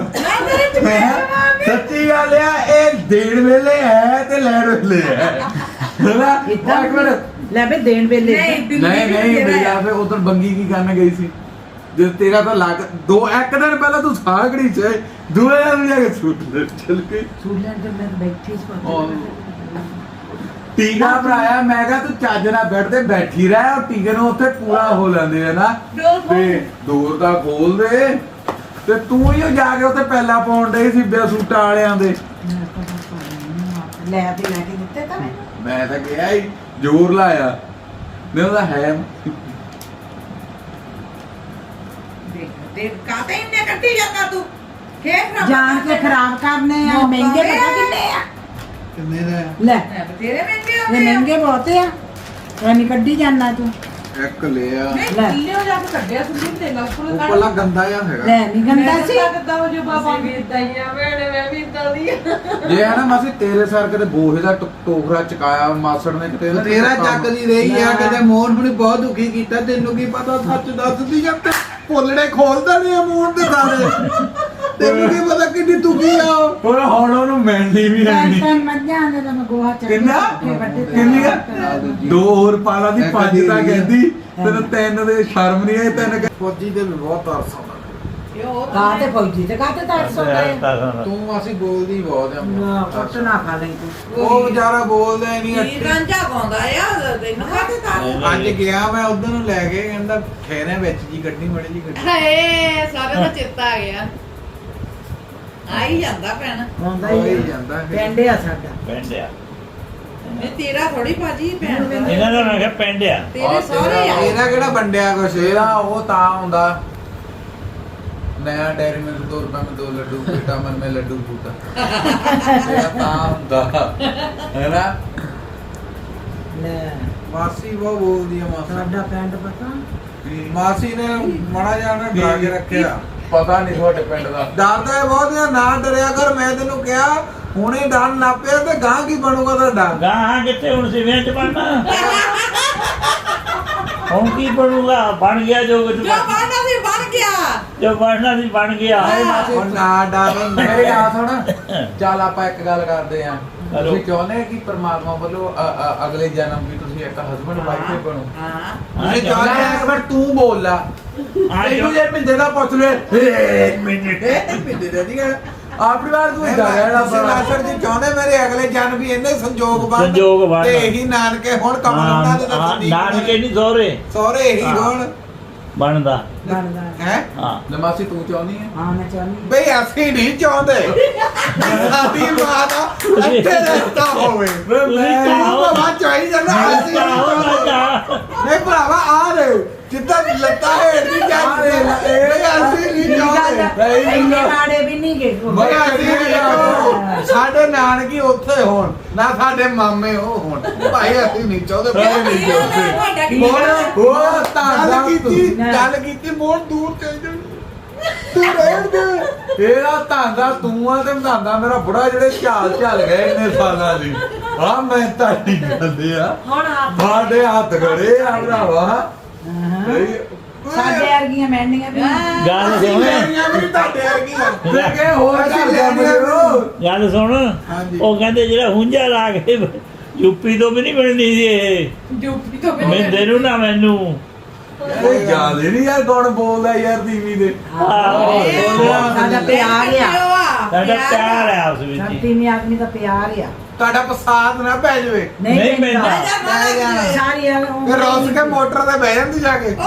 ਸੱਚੀ ਗੱਲ ਆ ਇਹ ਦੇਣ ਵੇਲੇ ਹੈ ਤੇ ਲੈਣ ਵੇਲੇ ਹੈ ਹੈਨਾ
ਏਦਾਂ
ਇੱਕ ਮਿੰਟ
ਲੈ ਬੇ ਦੇਣ ਵੇਲੇ
ਨਹੀਂ ਦਿੱਲੀ
ਨਹੀਂ
ਵੀ
ਨਹੀਂ
ਤੇਰਾ
ਬਈਆ ਫੇ ਉਧਰ ਬੰਗੀ ਕੀ ਕਰਨ ਗਈ ਸੀ ਜੇ ਤੇਰਾ ਤਾਂ ਲੱਗ ਦੋ ਇੱਕ ਦਿਨ ਪਹਿਲਾਂ ਤੂੰ ਸਾਗੜੀ ਚ ਦੂਏ ਦਿਨ ਜਾ ਕੇ ਸੂਟ ਲੈ ਚਲ ਕੇ
ਸੂਲਣ ਤੇ ਮੈਂ ਬੈਠੀ ਸੀ
ਉਹ ਟੀਕਾ ਭਰਾਇਆ ਮੈਂ ਕਿਹਾ ਤੂੰ ਚੱਜ ਨਾਲ ਬੈਠ ਤੇ ਬੈਠੀ ਰਹਿ ਔਰ ਟੀਕੇ ਨੂੰ ਉੱਥੇ ਪੂਰਾ ਹੋ ਲੈਂਦੇ ਆ ਨਾ
ਡੋਰ ਖੋਲ।
ਤੇ ਦੂਰ ਦਾ ਖੋਲ ਦੇ ਤੇ ਤੂੰ ਹੀ ਉਹ ਜਾ ਕੇ ਉੱਥੇ ਪਹਿਲਾਂ ਪਾਉਣ ਦੇ ਸੀ ਬੇ ਸੂਟਾਂ ਵਾਲਿਆਂ ਦੇ
ਲੈ ਤੇ ਲੈ ਕੇ ਦਿੱਤੇ ਤਾਂ ਮੈਨੂੰ
ਮੈਂ ਤਾਂ ਕਿਹਾ ਹੀ ਜ਼ੋਰ ਲਾਇਆ ਨਹੀਂ ਉਹਦਾ ਹੈ
ਦੇਖ ਦੇਖ ਕਾਤੇ ਇੰਨੇ ਕੱਢੀ ਜਾਂਦਾ ਤੂੰ ਖੇਤ ਨਾ
ਜਾਣ ਕੇ ਖਰਾਬ ਕਰਨੇ ਆ
ਮੌਕਾ
ਮਹਿੰਗੇ
ਵੇ।
ਪਤਾ ਕਿੰਨੇ ਆ
ਕਿੰਨੇ ਦਾ
ਲੈ
ਬਤੇਰੇ ਮਹਿੰਗੇ
ਇਹ
ਹੋਏ ਆ।
ਮਹਿੰਗੇ ਬਹੁਤੇ ਆ ਐਵੇਂ ਕੱਢੀ ਜਾਣਾ ਤੂੰ
ਇੱਕ ਲਿਆ
ਨਹੀਂ
ਲੈ।
ਦਿੱਲੀ ਜਾ ਕੇ ਕੱਢਿਆ ਸੁਣੀ ਤੇ ਲੱਫੜ
ਉਹ ਪਹਿਲਾਂ ਗੰਦਾ ਜਿਹਾ ਹੈਗਾ
ਲੈ ਨਹੀਂ ਗੰਦਾ ਸੀ
ਕਿੱਦਾਂ ਹੋ ਜੋ ਬਾਬਾ ਵੀ ਦਈਆਂ ਵੇੜੇ ਮੈਂ ਵੀ ਇਦਾਂ ਦੀ
ਜੇ ਹੈ ਨਾ ਮਾਸੀ ਤੇਰੇ ਸਰ ਕਿਤੇ ਬੋਹੇ ਦਾ ਟੁਕ- ਟੋਕਰਾ ਚਕਾਇਆ ਮਾਸੜ ਨੇ ਕਿਤੇ ਨਾ ਕਿਤੇ
ਤੇਰਾ
ਕੰਮ-
ਚੱਕਦੀ ਰਹੀ ਆ
ਲੈ।
ਕਦੇ ਮੋਹਨ ਨੂੰ ਬਹੁਤ ਦੁਖੀ ਕੀਤਾ ਤੈਨੂੰ ਕੀ ਪਤਾ ਸੱਚ ਦੱਸਦੀ ਜਾਂ ਤੇ ਭੁੱਲੜੇ ਖੋਲਦਾ ਨਹੀਂ ਆ ਮੋਹਨ ਦੇ ਸਾਰੇ ਤੈਨੂੰ ਕੀ ਪਤਾ ਕਿੰਨੀ ਦੁਖੀ ਆ ਉਹ।
ਹੋਰ ਹੁਣ ਉਹਨੂੰ ਮਿਲਣੀ ਵੀ ਹੈ ਨਹੀਂ
ਤਾਂ ਮੱਝਾਂ ਦੇ ਤਾਂ ਮੈਂ ਗੋਹਾ ਚੱਕ
ਕਿੰਨਾ ਕਿੰਨੀ ਆ ਦੋ ਹੋਰ ਪਾਲਾ ਦੀ
ਇੱਕ
ਪੰਜ
ਦੀ
ਤਾਂ
ਵੀ ਆ।
ਕਹਿੰਦੀ ਤੈਨੂੰ ਤਿੰਨ ਦੇ ਸ਼ਰਮ ਨਹੀਂ ਆਈ ਤਿੰਨ ਕਹਿ-
ਫੌਜੀ ਦੇ ਵੀ ਬਹੁਤ ਤਰਸ ਆਉਂਦਾ
ਕਾ ਤੇ ਫੌਜੀ ਤੇ ਕਾ ਤੇ ਤਾਂ ਸੌ ਕਰੇ
ਤੂੰ ਅਸੀਂ ਬੋਲਦੀ ਬਹੁਤ ਆ
ਨਾ ਕੁੱਟ ਨਾ ਖਾ ਲਈ ਤੂੰ
ਉਹ ਵਿਚਾਰਾ ਬੋਲਦਾ ਹੀ ਨਹੀਂ
ਕੀ ਰਾਂਝਾ ਗਾਉਂਦਾ ਆ ਤੈਨੂੰ ਕਾਤੇ ਤਾਂ
ਅੱਜ ਗਿਆ ਮੈਂ ਉਧਰ ਨੂੰ ਲੈ ਕੇ ਕਹਿੰਦਾ ਖੇਰੇ ਵਿੱਚ ਜੀ ਗੱਡੀ ਮੜੀ ਜੀ ਗੱਡੀ
ਹਏ ਸਾਰੇ ਦਾ ਚੇਤਾ ਆ ਗਿਆ ਆਈ ਜਾਂਦਾ ਭੈਣ
ਆਉਂਦਾ
ਹੋ ਹੀ
ਹੀ
ਜਾਂਦਾ ਫਿਰ।
ਪਿੰਡ ਆ ਸਾਡਾ
ਪੈਂਡਿਆ
ਇਹ ਤੇਰਾ ਥੋੜੀ ਭਾਜੀ ਭੈਣ ਦਾ
ਇਹਨਾਂ ਦਾ ਮੈਂ ਕਿਹਾ ਪੈਂਡਿਆ
ਤੇਰੇ ਸਾਰੇ ਆ
ਇਹਦਾ ਕਿਹੜਾ ਵੰਡਿਆ ਕੁਛ
ਤੇਰਾ ਉਹ ਤਾਂ ਹੁੰਦਾ
नया डेयरी मिल्क दो रुपए में दो लड्डू बेटा मन में लड्डू फूटा मेरा काम था है ना
ਲੈ
ਮਾਸੀ ਬਹੁਤ ਬੋਲਦੀ ਆ ਮਾਸੀ
ਸਾਡਾ ਪਿੰਡ ਪਤਾ
ਮਾਸੀ ਨੇ ਮੜਾ ਜਾਣਾ ਡਰਾ ਕੇ ਰੱਖਿਆ
पता नहीं थोड़े पिंड का
ਡਰਦਾ ਹੈ ਬਹੁਤ ਆ, ਨਾ ਡਰਿਆ ਕਰ। ਮੈਂ ਤੈਨੂੰ ਕਿਹਾ ਹੁਣੇ ਡਰਨ ਲੱਗ ਪਿਆ ਤੇ ਗਾਂ ਕੀ ਬਣੂਗਾ ਤੁਹਾਡਾ?
ਗਾਹਾਂ ਕਿੱਥੇ ਹੁਣ ਸਿਵਿਆਂ ਚ ਬਣਨਾ ਹੁਣ ਕੀ ਬਣੂਗਾ ਬਣ ਗਿਆ ਜੋ ਕੁਝ
ਜੋ ਬਣਨਾ ਸੀ ਬਣ ਗਿਆ
ਜੋ ਬਣਨਾ ਸੀ ਬਣ ਗਿਆ
ਹੁਣ ਨਾ ਡਰ
मेरी बात सुन चल आप एक गल करते हैं
हेलो।
ਤੁਸੀਂ ਚਾਹੁੰਦੇ ਕਿ ਪਰਮਾਤਮਾ ਵੱਲੋਂ ਅ- ਅ- ਅਗਲੇ ਜਨਮ ਵੀ ਤੁਸੀਂ ਇੱਕ ਹਸਬੰਡ ਵਾਈਫ ਹੀ ਬਣੋ
ਹਾਂ
ਤੁਸੀਂ
ਚੱਲ
ਚਾਹੁੰਦੇ
ਇੱਕ ਵਾਰ ਤੂੰ ਬੋਲ ਲਾ
ਆ
ਤੈਨੂੰ ਜੇ ਮਿੰਦੇ ਦਾ ਪੁੱਛ ਲੈ ਮਿੰਦੇ ਦਾ ਨਹੀਂ
ਆਪਣੀ ਵਾਰ ਤੂੰ ਇਦਾਂ
ਤੁਸੀਂ ਲਾਸਰ ਜੀ ਚਾਹੁੰਦੇ ਮੇਰੇ ਅਗਲੇ ਜਨਮ ਵੀ ਇੰਨੇ ਸੰਜੋਗ ਬਣ
ਸੰਜੋਗ ਬਣ।
ਤੇ ਇਹੀ ਨਾਨਕੇ ਹੁਣ ਕਮਲ ਉਹਨਾਂ ਦੇ
ਹਾਂ
ਦਰਸ਼ਨ
ਨਾਨਕੇ ਨਹੀਂ ਸਹੁਰੇ
ਸਹੁਰੇ ਇਹੀ
ਹਾਂ।
ਹੋਣ
ਬਣਦਾ
ਬਣਦਾ
ਹੈ
ਹਾਂ
ਨਮਾਸੀ ਤੂੰ ਚਾਹੁੰਦੀ ਹੈ
ਹਾਂ ਮੈਂ ਚਾਹੁੰਦੀ
ਬਈ ਅਸੀਂ ਨਹੀਂ ਚਾਹੁੰਦੇ ਸਾਡੀ ਮਾਂ ਦਾ ਇੱਥੇ ਰਸਤਾ ਹੋਵੇ
ਤੁਸੀਂ ਚਾਹੋ
ਭਰਾਵਾ ਚਾਹੀ ਜਾਂਦਾ ਅਸੀਂ ਨਹੀਂ
ਚਾਹੋ ਨਾ
ਚਾਹੁੰਦੇ।
ਚਾਹ
ਨਹੀਂ ਭਰਾਵਾ ਆ ਰਹੇ ਜਿੱਦਾਂ ਲੱਤਾਂ ਹੇਠ ਨਹੀਂ ਜਾਂਦੇ ਇਹ ਅਸੀਂ ਨਹੀਂ ਚਾਹੁੰਦੇ
ਇੰਨੇ ਮਾੜੇ ਵੀ ਨਹੀਂ ਗਏ
ਮਗਾ ਅਸੀਂ ਨਹੀਂ ਚਾਹੁੰਦੇ। ਸਾਡੇ ਨਾਨਕੀ ਉੱਥੇ ਹੋਣ ਨਾ ਸਾਡੇ ਮਾਮੇ ਉਹ ਹੋਣ ਭਾਈ ਅਸੀਂ ਨਹੀਂ ਚਾਹੁੰਦੇ ਭਾਈ ਨਹੀਂ ਚਾਹੁੰਦੇ ਮੋੜ ਉਹ ਤਾਂ ਕੀਤੀ ਗੱਲ ਕੀਤੀ ਮੋੜ ਦੂਰ ਚਲ ਜਾ ਤੂੰ ਰਹਿਣ ਦੇ
ਇਹਦਾ ਧੰਦਾ ਤੂੰ ਆ ਤੇ ਧੰਦਾ ਮੇਰਾ ਬੁੜਾ ਜਿਹੜੇ ਝਾਲ ਝਾਲ ਗਏ ਇੰਨੇ ਸਾਲਾਂ ਦੀ ਆ ਮੈਂ ਤੁਹਾਡੀ ਗੱਲ ਆ
ਹੁਣ ਹੱਥ
ਸਾਡੇ ਹੱਥ ਖੜੇ ਆ ਭਰਾਵਾ
ਸਾਡੇ ਵਰਗੀਆਂ ਮੈਂਡੀਆਂ ਵੀ ਨਹੀਂ।
ਗੱਲ ਸੁਣ
ਮੇਰੀਆਂ ਵੀ ਤੁਹਾਡੇ ਵਰਗੀਆਂ
ਦੇਖੇ ਹੋਰ
ਅਸੀਂ
ਕਰ
ਲੈਣੀਆਂ
ਜਾਂਦੇ ਹੋ
ਗੱਲ ਸੁਣ
ਹਾਂਜੀ।
ਉਹ ਕਹਿੰਦੇ ਜਿਹੜਾ ਹੁੰਝਾ ਲਾ ਕੇ ਯੂਪੀ ਤੋਂ ਵੀ ਨਹੀਂ ਬਣਨੀ ਸੀ ਇਹ
ਡਿਊਟੀ ਤੋਂ
ਮਿੰਦੇ ਨੂੰ ਨਾ ਮੈਨੂੰ
ਕੋਈ ਗੱਲ ਹੀ ਨਹੀਂ ਯਾਰ ਕੌਣ ਬੋਲਦਾ ਯਾਰ ਟੀਵੀ ਦੇ
ਆਹੋ,
ਸਾਡਾ ਪਿਆਰ ਆ
ਸਾਡਾ ਪਿਆਰ ਹੈ ਉਸ ਵਿੱਚ ਹੀ।
ਸਾਡੀ ਨਹੀਂ ਆਦਮੀ ਦਾ ਪਿਆਰ ਆ
ਤੁਹਾਡਾ ਪਸਾਦ ਨਾ ਪੈ ਜਾਵੇ
ਨਹੀਂ ਪੈਂਦਾ।
ਸਾਰੀ ਆ
ਫਿਰ ਰੋਸ ਕੇ ਮੋਟਰ ਤੇ ਬਹਿ ਜਾਂਦੀ ਜਾ ਕੇ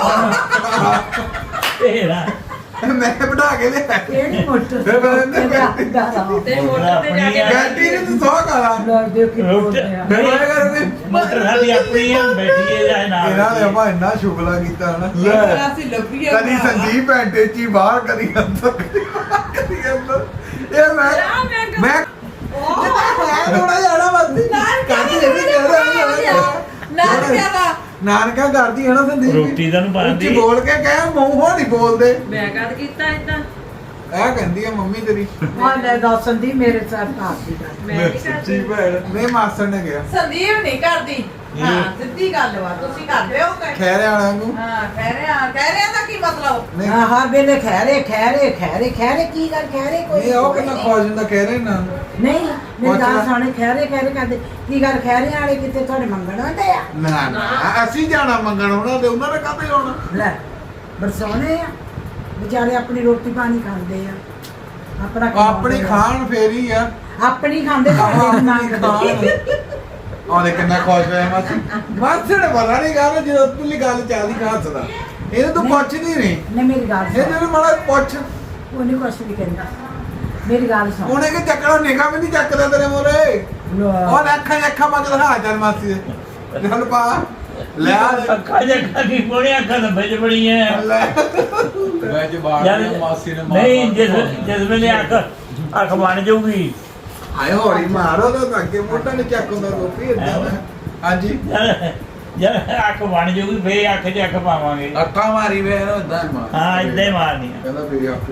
ਤੇਰਾ
ਮੈਂ ਬਿਠਾ ਕੇ ਲਿਆ
ਕਿਹੜੀ ਮੋਟਰ
ਫਿਰ ਮੈਂ ਇਹਦੇ ਬੈਠੀ
ਤੇ ਮੋਟਰ ਤੇ ਜਾ ਕੇ
ਬੈਠੀ ਨੇ ਤੂੰ ਸੌ ਕਰਾ
ਲੋਕ ਦੇ ਕੇ ਬੋਲਦੇ ਆ
ਫਿਰ ਮੈਂ ਕਰਦੀ
ਮੋਟਰ ਸਾਡੀ ਆਪਣੀ ਹੈ ਬੈਠੀਏ ਜਾਏ ਨਾਲ
ਇਹਨਾਂ ਨੇ ਆਪਾਂ ਇੰਨਾ ਸ਼ੁਗਲਾ ਕੀਤਾ ਹਨਾ
ਅਸੀਂ ਲੱਭੀਏ
ਕਦੀ ਸੰਦੀਪ ਭੈਂਟੇ ਚ ਹੀ ਬਾਹਰ ਕਦੀ ਅੰਦਰ ਕਦੀ ਬਾਹਰ, ਕਦੀ ਅੰਦਰ ਇਹ ਮੈਂ ਮੈਂ ਥੋੜਾ ਜਾਣਾ ਬਸ ਕਾਹਦੀ ਇਹ ਵੀ ਕਹਿ
ਨਾਨਕਿਆ ਦਾ
ਨਾਨਕਾ ਕਰਦੀ ਹੈ ਨਾ ਸੰਦੀਪ
ਰੋਟੀ ਤਾਂ ਨੂੰ ਪਾਉਂਦੀ।
ਉੱਚੀ ਬੋਲ ਕੇ ਕਹਿ ਮੂੰਹੋਂ ਨਹੀਂ ਬੋਲਦੇ
ਮੈਂ ਕਦ ਕੀਤਾ ਇਦਾਂ
ਇਹ ਕਹਿੰਦੀ ਆ ਮੰਮੀ ਤੇਰੀ
ਹਾਂ ਲੈ ਦੱਸਣ ਦੀ ਮੇਰੇ ਸਾਹ ਭਾਗ ਦੀ ਗੱਲ
ਮੈਂ ਕੀ
ਸੱਚੀ
ਕਰਦੀ
ਭੈਣ
ਨਹੀਂ ਮਾਸਟਰ ਨੇ ਗਿਆ
ਸੰਦੀਪ ਨਹੀਂ ਕਰਦੀ ਹਾਂ ਸਿੱਧੀ ਗੱਲ ਵਾ ਤੁਸੀਂ ਕਰਦੇ ਹੋ ਕਿ
ਖੈਰੇ ਵਾਲਿਆਂ ਨੂੰ
ਹਾਂ ਕਹਿ ਰਿਹਾ ਕਹਿ ਰਿਹਾ ਦਾ ਕੀ ਮਤਲਬ
ਨਹੀਂ
ਹਾਂ ਹਰ ਵੇਲੇ ਖੈਰੇ ਖੈਰੇ ਖੈਰੇ ਖੈਰੇ ਕੀ ਗੱਲ ਖੈਰੇ ਕੋਈ
ਨਹੀਂ ਉਹ ਕਿੰਨਾ ਖੁਸ਼ ਹੁੰਦਾ ਖੈਰੇ ਨਾ
ਨਹੀਂ ਮੇਰੀ ਗੱਲ
ਪੁੱਛ ਲੈ।
ਸੁਣੇ ਖੈਰੇ ਖੈਰੇ ਕਰਦੇ ਕੀ ਗੱਲ ਖੈਰੇ ਵਾਲੇ ਕਿਤੇ ਤੁਹਾਡੇ ਮੰਗਣ ਆਉਂਦੇ ਆ
ਨਾ ਨਾ ਅਸੀਂ ਜਾਣਾ ਮੰਗਣ ਉਹਨਾਂ ਦੇ ਉਹਨਾਂ ਨੇ ਕਾਹਤੇ ਆਉਣਾ
ਲੈ ਬਰਸੋਨੇ ਆ ਵਿਚਾਰੇ ਆਪਣੀ ਰੋਟੀ ਪਾਣੀ ਖਾਂਦੇ ਆ ਆਪਣਾ
ਆਪਣੀ
ਕਮਾਉਂਦੇ ਆ।
ਖਾਣ ਫੇਰੀ ਆ
ਆਪਣੀ ਖਾਂਦੇ ਤੁਹਾਡੇ
ਆਪਣੀ
ਨੂੰ ਮੰਗਦੇ
ਖਾਣ ਉਹਨੇ ਕਿੰਨਾ ਖੁਸ਼ ਹੋਇਆ ਮਾਸੀ ਮਾਸੀ ਨੇ ਪਤਾ ਨਹੀਂ ਗੱਲ ਜਦੋਂ ਤੁਲੀ ਗੱਲ ਚੱਲਦੀ ਖਾਸਦਾ ਇਹਨੂੰ ਤੂੰ ਪੁੱਛਦੀ ਨਹੀਂ
ਨੇ ਮੇਰੀ ਗੱਲ
ਇਹ
ਸੁਣ
ਜਦੋਂ ਮਾੜਾ ਪੁੱਛ
ਉਹਨੇ ਕੁਛ ਵੀ ਕਹਿੰਦਾ ਮੇਰੀ ਗੱਲ ਸੁਣ
ਉਹਨੇ ਕਿ ਚੱਕਣਾ ਨਿਗਾ ਵੀ ਨਹੀਂ ਚੱਕਦਾ ਤੇਰੇ ਮੋਰੇ
ਲੋ,
ਉਹ ਅੱਖਾਂ ਅੱਖਾਂ ਮੰਗ ਦਿਖਾ ਚੱਲ ਮਾਸੀ ਦੇ ਚੱਲ ਪਾ ਲੈ ਆ ਦੇ।
ਅੱਖਾਂ ਜੱਖਾਂ ਕੀ ਕੋਣੀਆਂ ਅੱਖਾਂ ਤਾਂ ਵਿੱਚ ਬੜੀਆਂ
ਲੈ
ਮੈਂ ਜਵਾਬ
ਯਾਰ
ਮਾਸੀ ਨੇ ਮਾਰ
ਨਹੀਂ
ਮਾਰ
ਜਿਸ
ਕੇ
ਜਿਸ ਵੇਲੇ ਅੱਖ ਅੱਖ ਬਣ ਜਾਊਗੀ
ਆਏ ਹੋਰੀ ਮਾਰੋ ਤਾਂ ਅੱਗੇ ਮੋਢਾ ਨਹੀਂ ਚੱਕ ਹੁੰਦਾ ਰੋਪੀ ਇਦਾਂ ਹਾਂਜੀ
ਜਦ ਜਦ ਅੱਖ ਬਣ ਜਾਊਗੀ ਫੇਰ ਅੱਖ 'ਚ ਅੱਖ ਪਾਵਾਂਗੇ
ਅੱਖਾਂ ਮਾਰੀ ਵੇ ਇਹਨੂੰ ਇਦਾਂ ਹੀ ਮਾਰ
ਹਾਂ ਇਦਾਂ ਹੀ ਮਾਰਨੀ ਆ
ਕਹਿੰਦਾ ਮੇਰੀ ਅੱਖ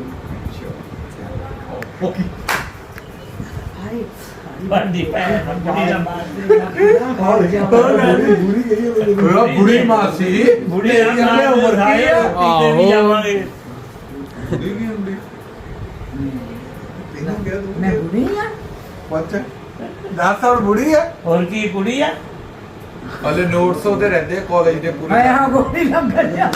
ਓਕੇ
ਹਾਏ
ਬਣਦੀ ਭੈਣ ਬੁੜੀ ਦਾ
ਬੁਰੀ ਗਈ
ਉਹ ਬੁੜੀ ਮਾਸੀ
ਬੁੜੀ ਦਾ
ਤੇਰੀ ਹਲੇ ਉਮਰ ਕੀ ਆ
ਕਿਤੇ ਵੀ ਜਾਵਾਂਗੇ
ਬੁਰੀ ਕੀ ਹੁੰਦੀ ਤੈਨੂੰ ਕਿਹਾ ਤੂੰ
ਮੈਂ ਬੁੜੀ ਆ
ਪੁੱਛ ਦਸ ਸਾਲ ਬੁੜੀ ਆ
ਹੋਰ ਕੀ ਕੁੜੀ ਆ
ਹਲੇ ਨੋਟਸ ਉਹਦੇ ਰਹਿੰਦੇ ਕਾਲਜ ਦੇ ਪੂਰੇ
ਹਾਏ ਹਾਂ ਗੋਲੀ ਲੱਗ ਗਿਆ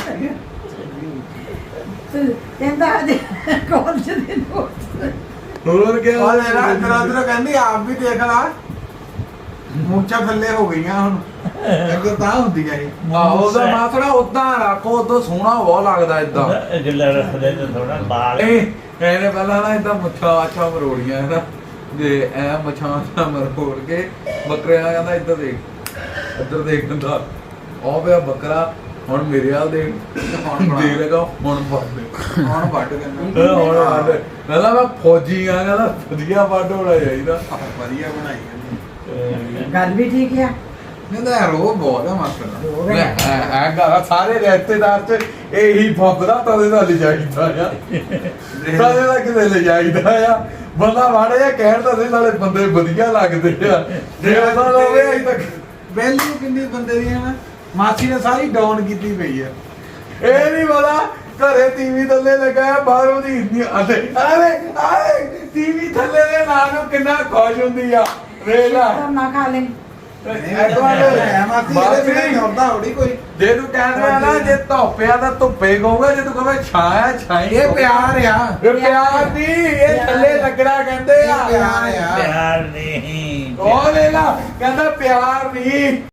ਤੂੰ ਕਹਿੰਦਾ ਹਜੇ ਕੋਲ ਦੇ ਨੋਟ
ਹੋਰ ਕੀ
ਉਹ ਲੈ ਰਾ ਤਰਾ ਕਹਿੰਦੀ ਆਪ ਵੀ ਦੇਖ ਲਾ ਮੁੱਛਾਂ ਥੱਲੇ ਹੋ ਗਈਆਂ ਹੁਣ ਅੱਗੇ ਤਾਂ ਹੁੰਦੀਆਂ ਸੀ
ਆਹੋ ਉਹਦਾ ਮਾਥੜਾ ਉਦਾਂ ਰੱਖੋ ਉਦੋਂ ਸੋਹਣਾ ਬਹੁਤ ਲੱਗਦਾ ਇਦਾਂ
ਗਿੱਲਾ ਰੱਖਦੇ ਤੇ ਥੋੜਾ ਬਾਲ
ਇਹ ਇਹਨੇ ਪਹਿਲਾਂ ਨਾ ਇਦਾਂ ਮੁੱਛਾਂ ਆਛਾ ਮਰੋੜੀਆਂ ਨਾ ਦੇ ਐ ਮੁੱਛਾਂ ਤਾਂ ਮਰੋੜ ਕੇ ਬੱਕਰੇ ਨਾਲ ਕਹਿੰਦਾ ਇੱਧਰ ਦੇਖ ਇੱਧਰ ਦੇਖ ਕਹਿੰਦਾ ਉਹ ਪਿਆ ਬੱਕਰਾ
ਹੁਣ ਮੇਰੇ ਹਾਲ ਦੇ
ਹੁਣ ਬਣਾ।
ਦੇ ਲਗਾ ਹੁਣ ਵੱਢ
ਹੁਣ ਵੱਢ ਕਹਿੰਦਾ
ਹੁਣ ਵੱਢ ਕਹਿੰਦਾ ਮੈਂ ਫੌਜੀ ਆ ਕਹਿੰਦਾ ਵਧੀਆ ਵੱਢ ਹੋਣਾ ਚਾਹੀਦਾ
ਵਧੀਆ ਬਣਾਈ ਇਹਨੇ।
ਗੱਲ ਵੀ ਠੀਕ ਆ
ਕਹਿੰਦਾ ਯਾਰ ਉਹ ਬਹੁਤ ਆ ਮਾਸਟਰ
ਰੋਹ
ਲੈ
ਹੈ।
ਐ ਗਾ ਸਾਰੇ ਰਿਸ਼ਤੇਦਾਰ ਚ ਇਹੀ ਫੱਬਦਾ ਤਦੇ ਦਾ ਲਿਜਾਈਦਾ ਆ ਤਦੇ ਦਾ ਕਿਤੇ ਲਿਜਾਈਦਾ ਆ ਬੰਦਾ ਵਾੜੇ ਆ ਕਹਿਣ ਤਾਂ ਦੇ ਨਾਲੇ ਬੰਦੇ ਵਧੀਆ ਲੱਗਦੇ ਆ ਜੇ ਉਹਨਾਂ ਲੋਵੇ ਅਜੇ ਤੱਕ
ਵੈਲਿਊ ਕਿੰਨੀ ਬੰਦੇ ਦੀ ਹੈ ਨਾ ਮਾਸੀ ਨੇ ਸਾਰੀ ਡਾਊਨ ਕੀਤੀ ਪਈ ਆ
ਇਹ ਨਹੀਂ ਪਤਾ ਘਰੇ ਟੀਵੀ ਥੱਲੇ ਲਗਾਇਆ ਬਾਹਰੋਂ ਦੀ ਇੰਨੀ ਅਰੇ ਅਰੇ ਅਰੇ ਟੀਵੀ ਥੱਲੇ ਦੇ ਨਾਲ ਨੂੰ ਕਿੰਨਾ ਖੁਸ਼ ਹੁੰਦੀ ਆ ਵੇਖ ਲੈ
ਤਾਂ ਨਾ ਖਾ ਲੈ
ਹੈ ਮਾਸੀ ਇਹਦੇ ਬਿਨਾਂ ਹੁੰਦਾ ਹੋੜੀ ਕੋਈ
ਜੇ ਤੂੰ ਕਹਿੰਦਾ ਆ ਨਾ ਜੇ ਧੁੱਪਿਆ ਤਾਂ ਧੁੱਪੇ ਕਹੂਗਾ ਜੇ ਤੂੰ ਕਹਵੇਂ ਛਾਇਆ ਛਾਈ
ਇਹ ਪਿਆਰ ਆ
ਇਹ ਪਿਆਰ ਨਹੀਂ ਇਹ ਥੱਲੇ ਲੱਗਣਾ ਕਹਿੰਦੇ ਆ
ਇਹ ਪਿਆਰ ਆ
ਪਿਆਰ ਨਹੀਂ
ਉਹ ਲੈ ਲਾ ਕਹਿੰਦਾ ਪਿਆਰ ਨਹੀਂ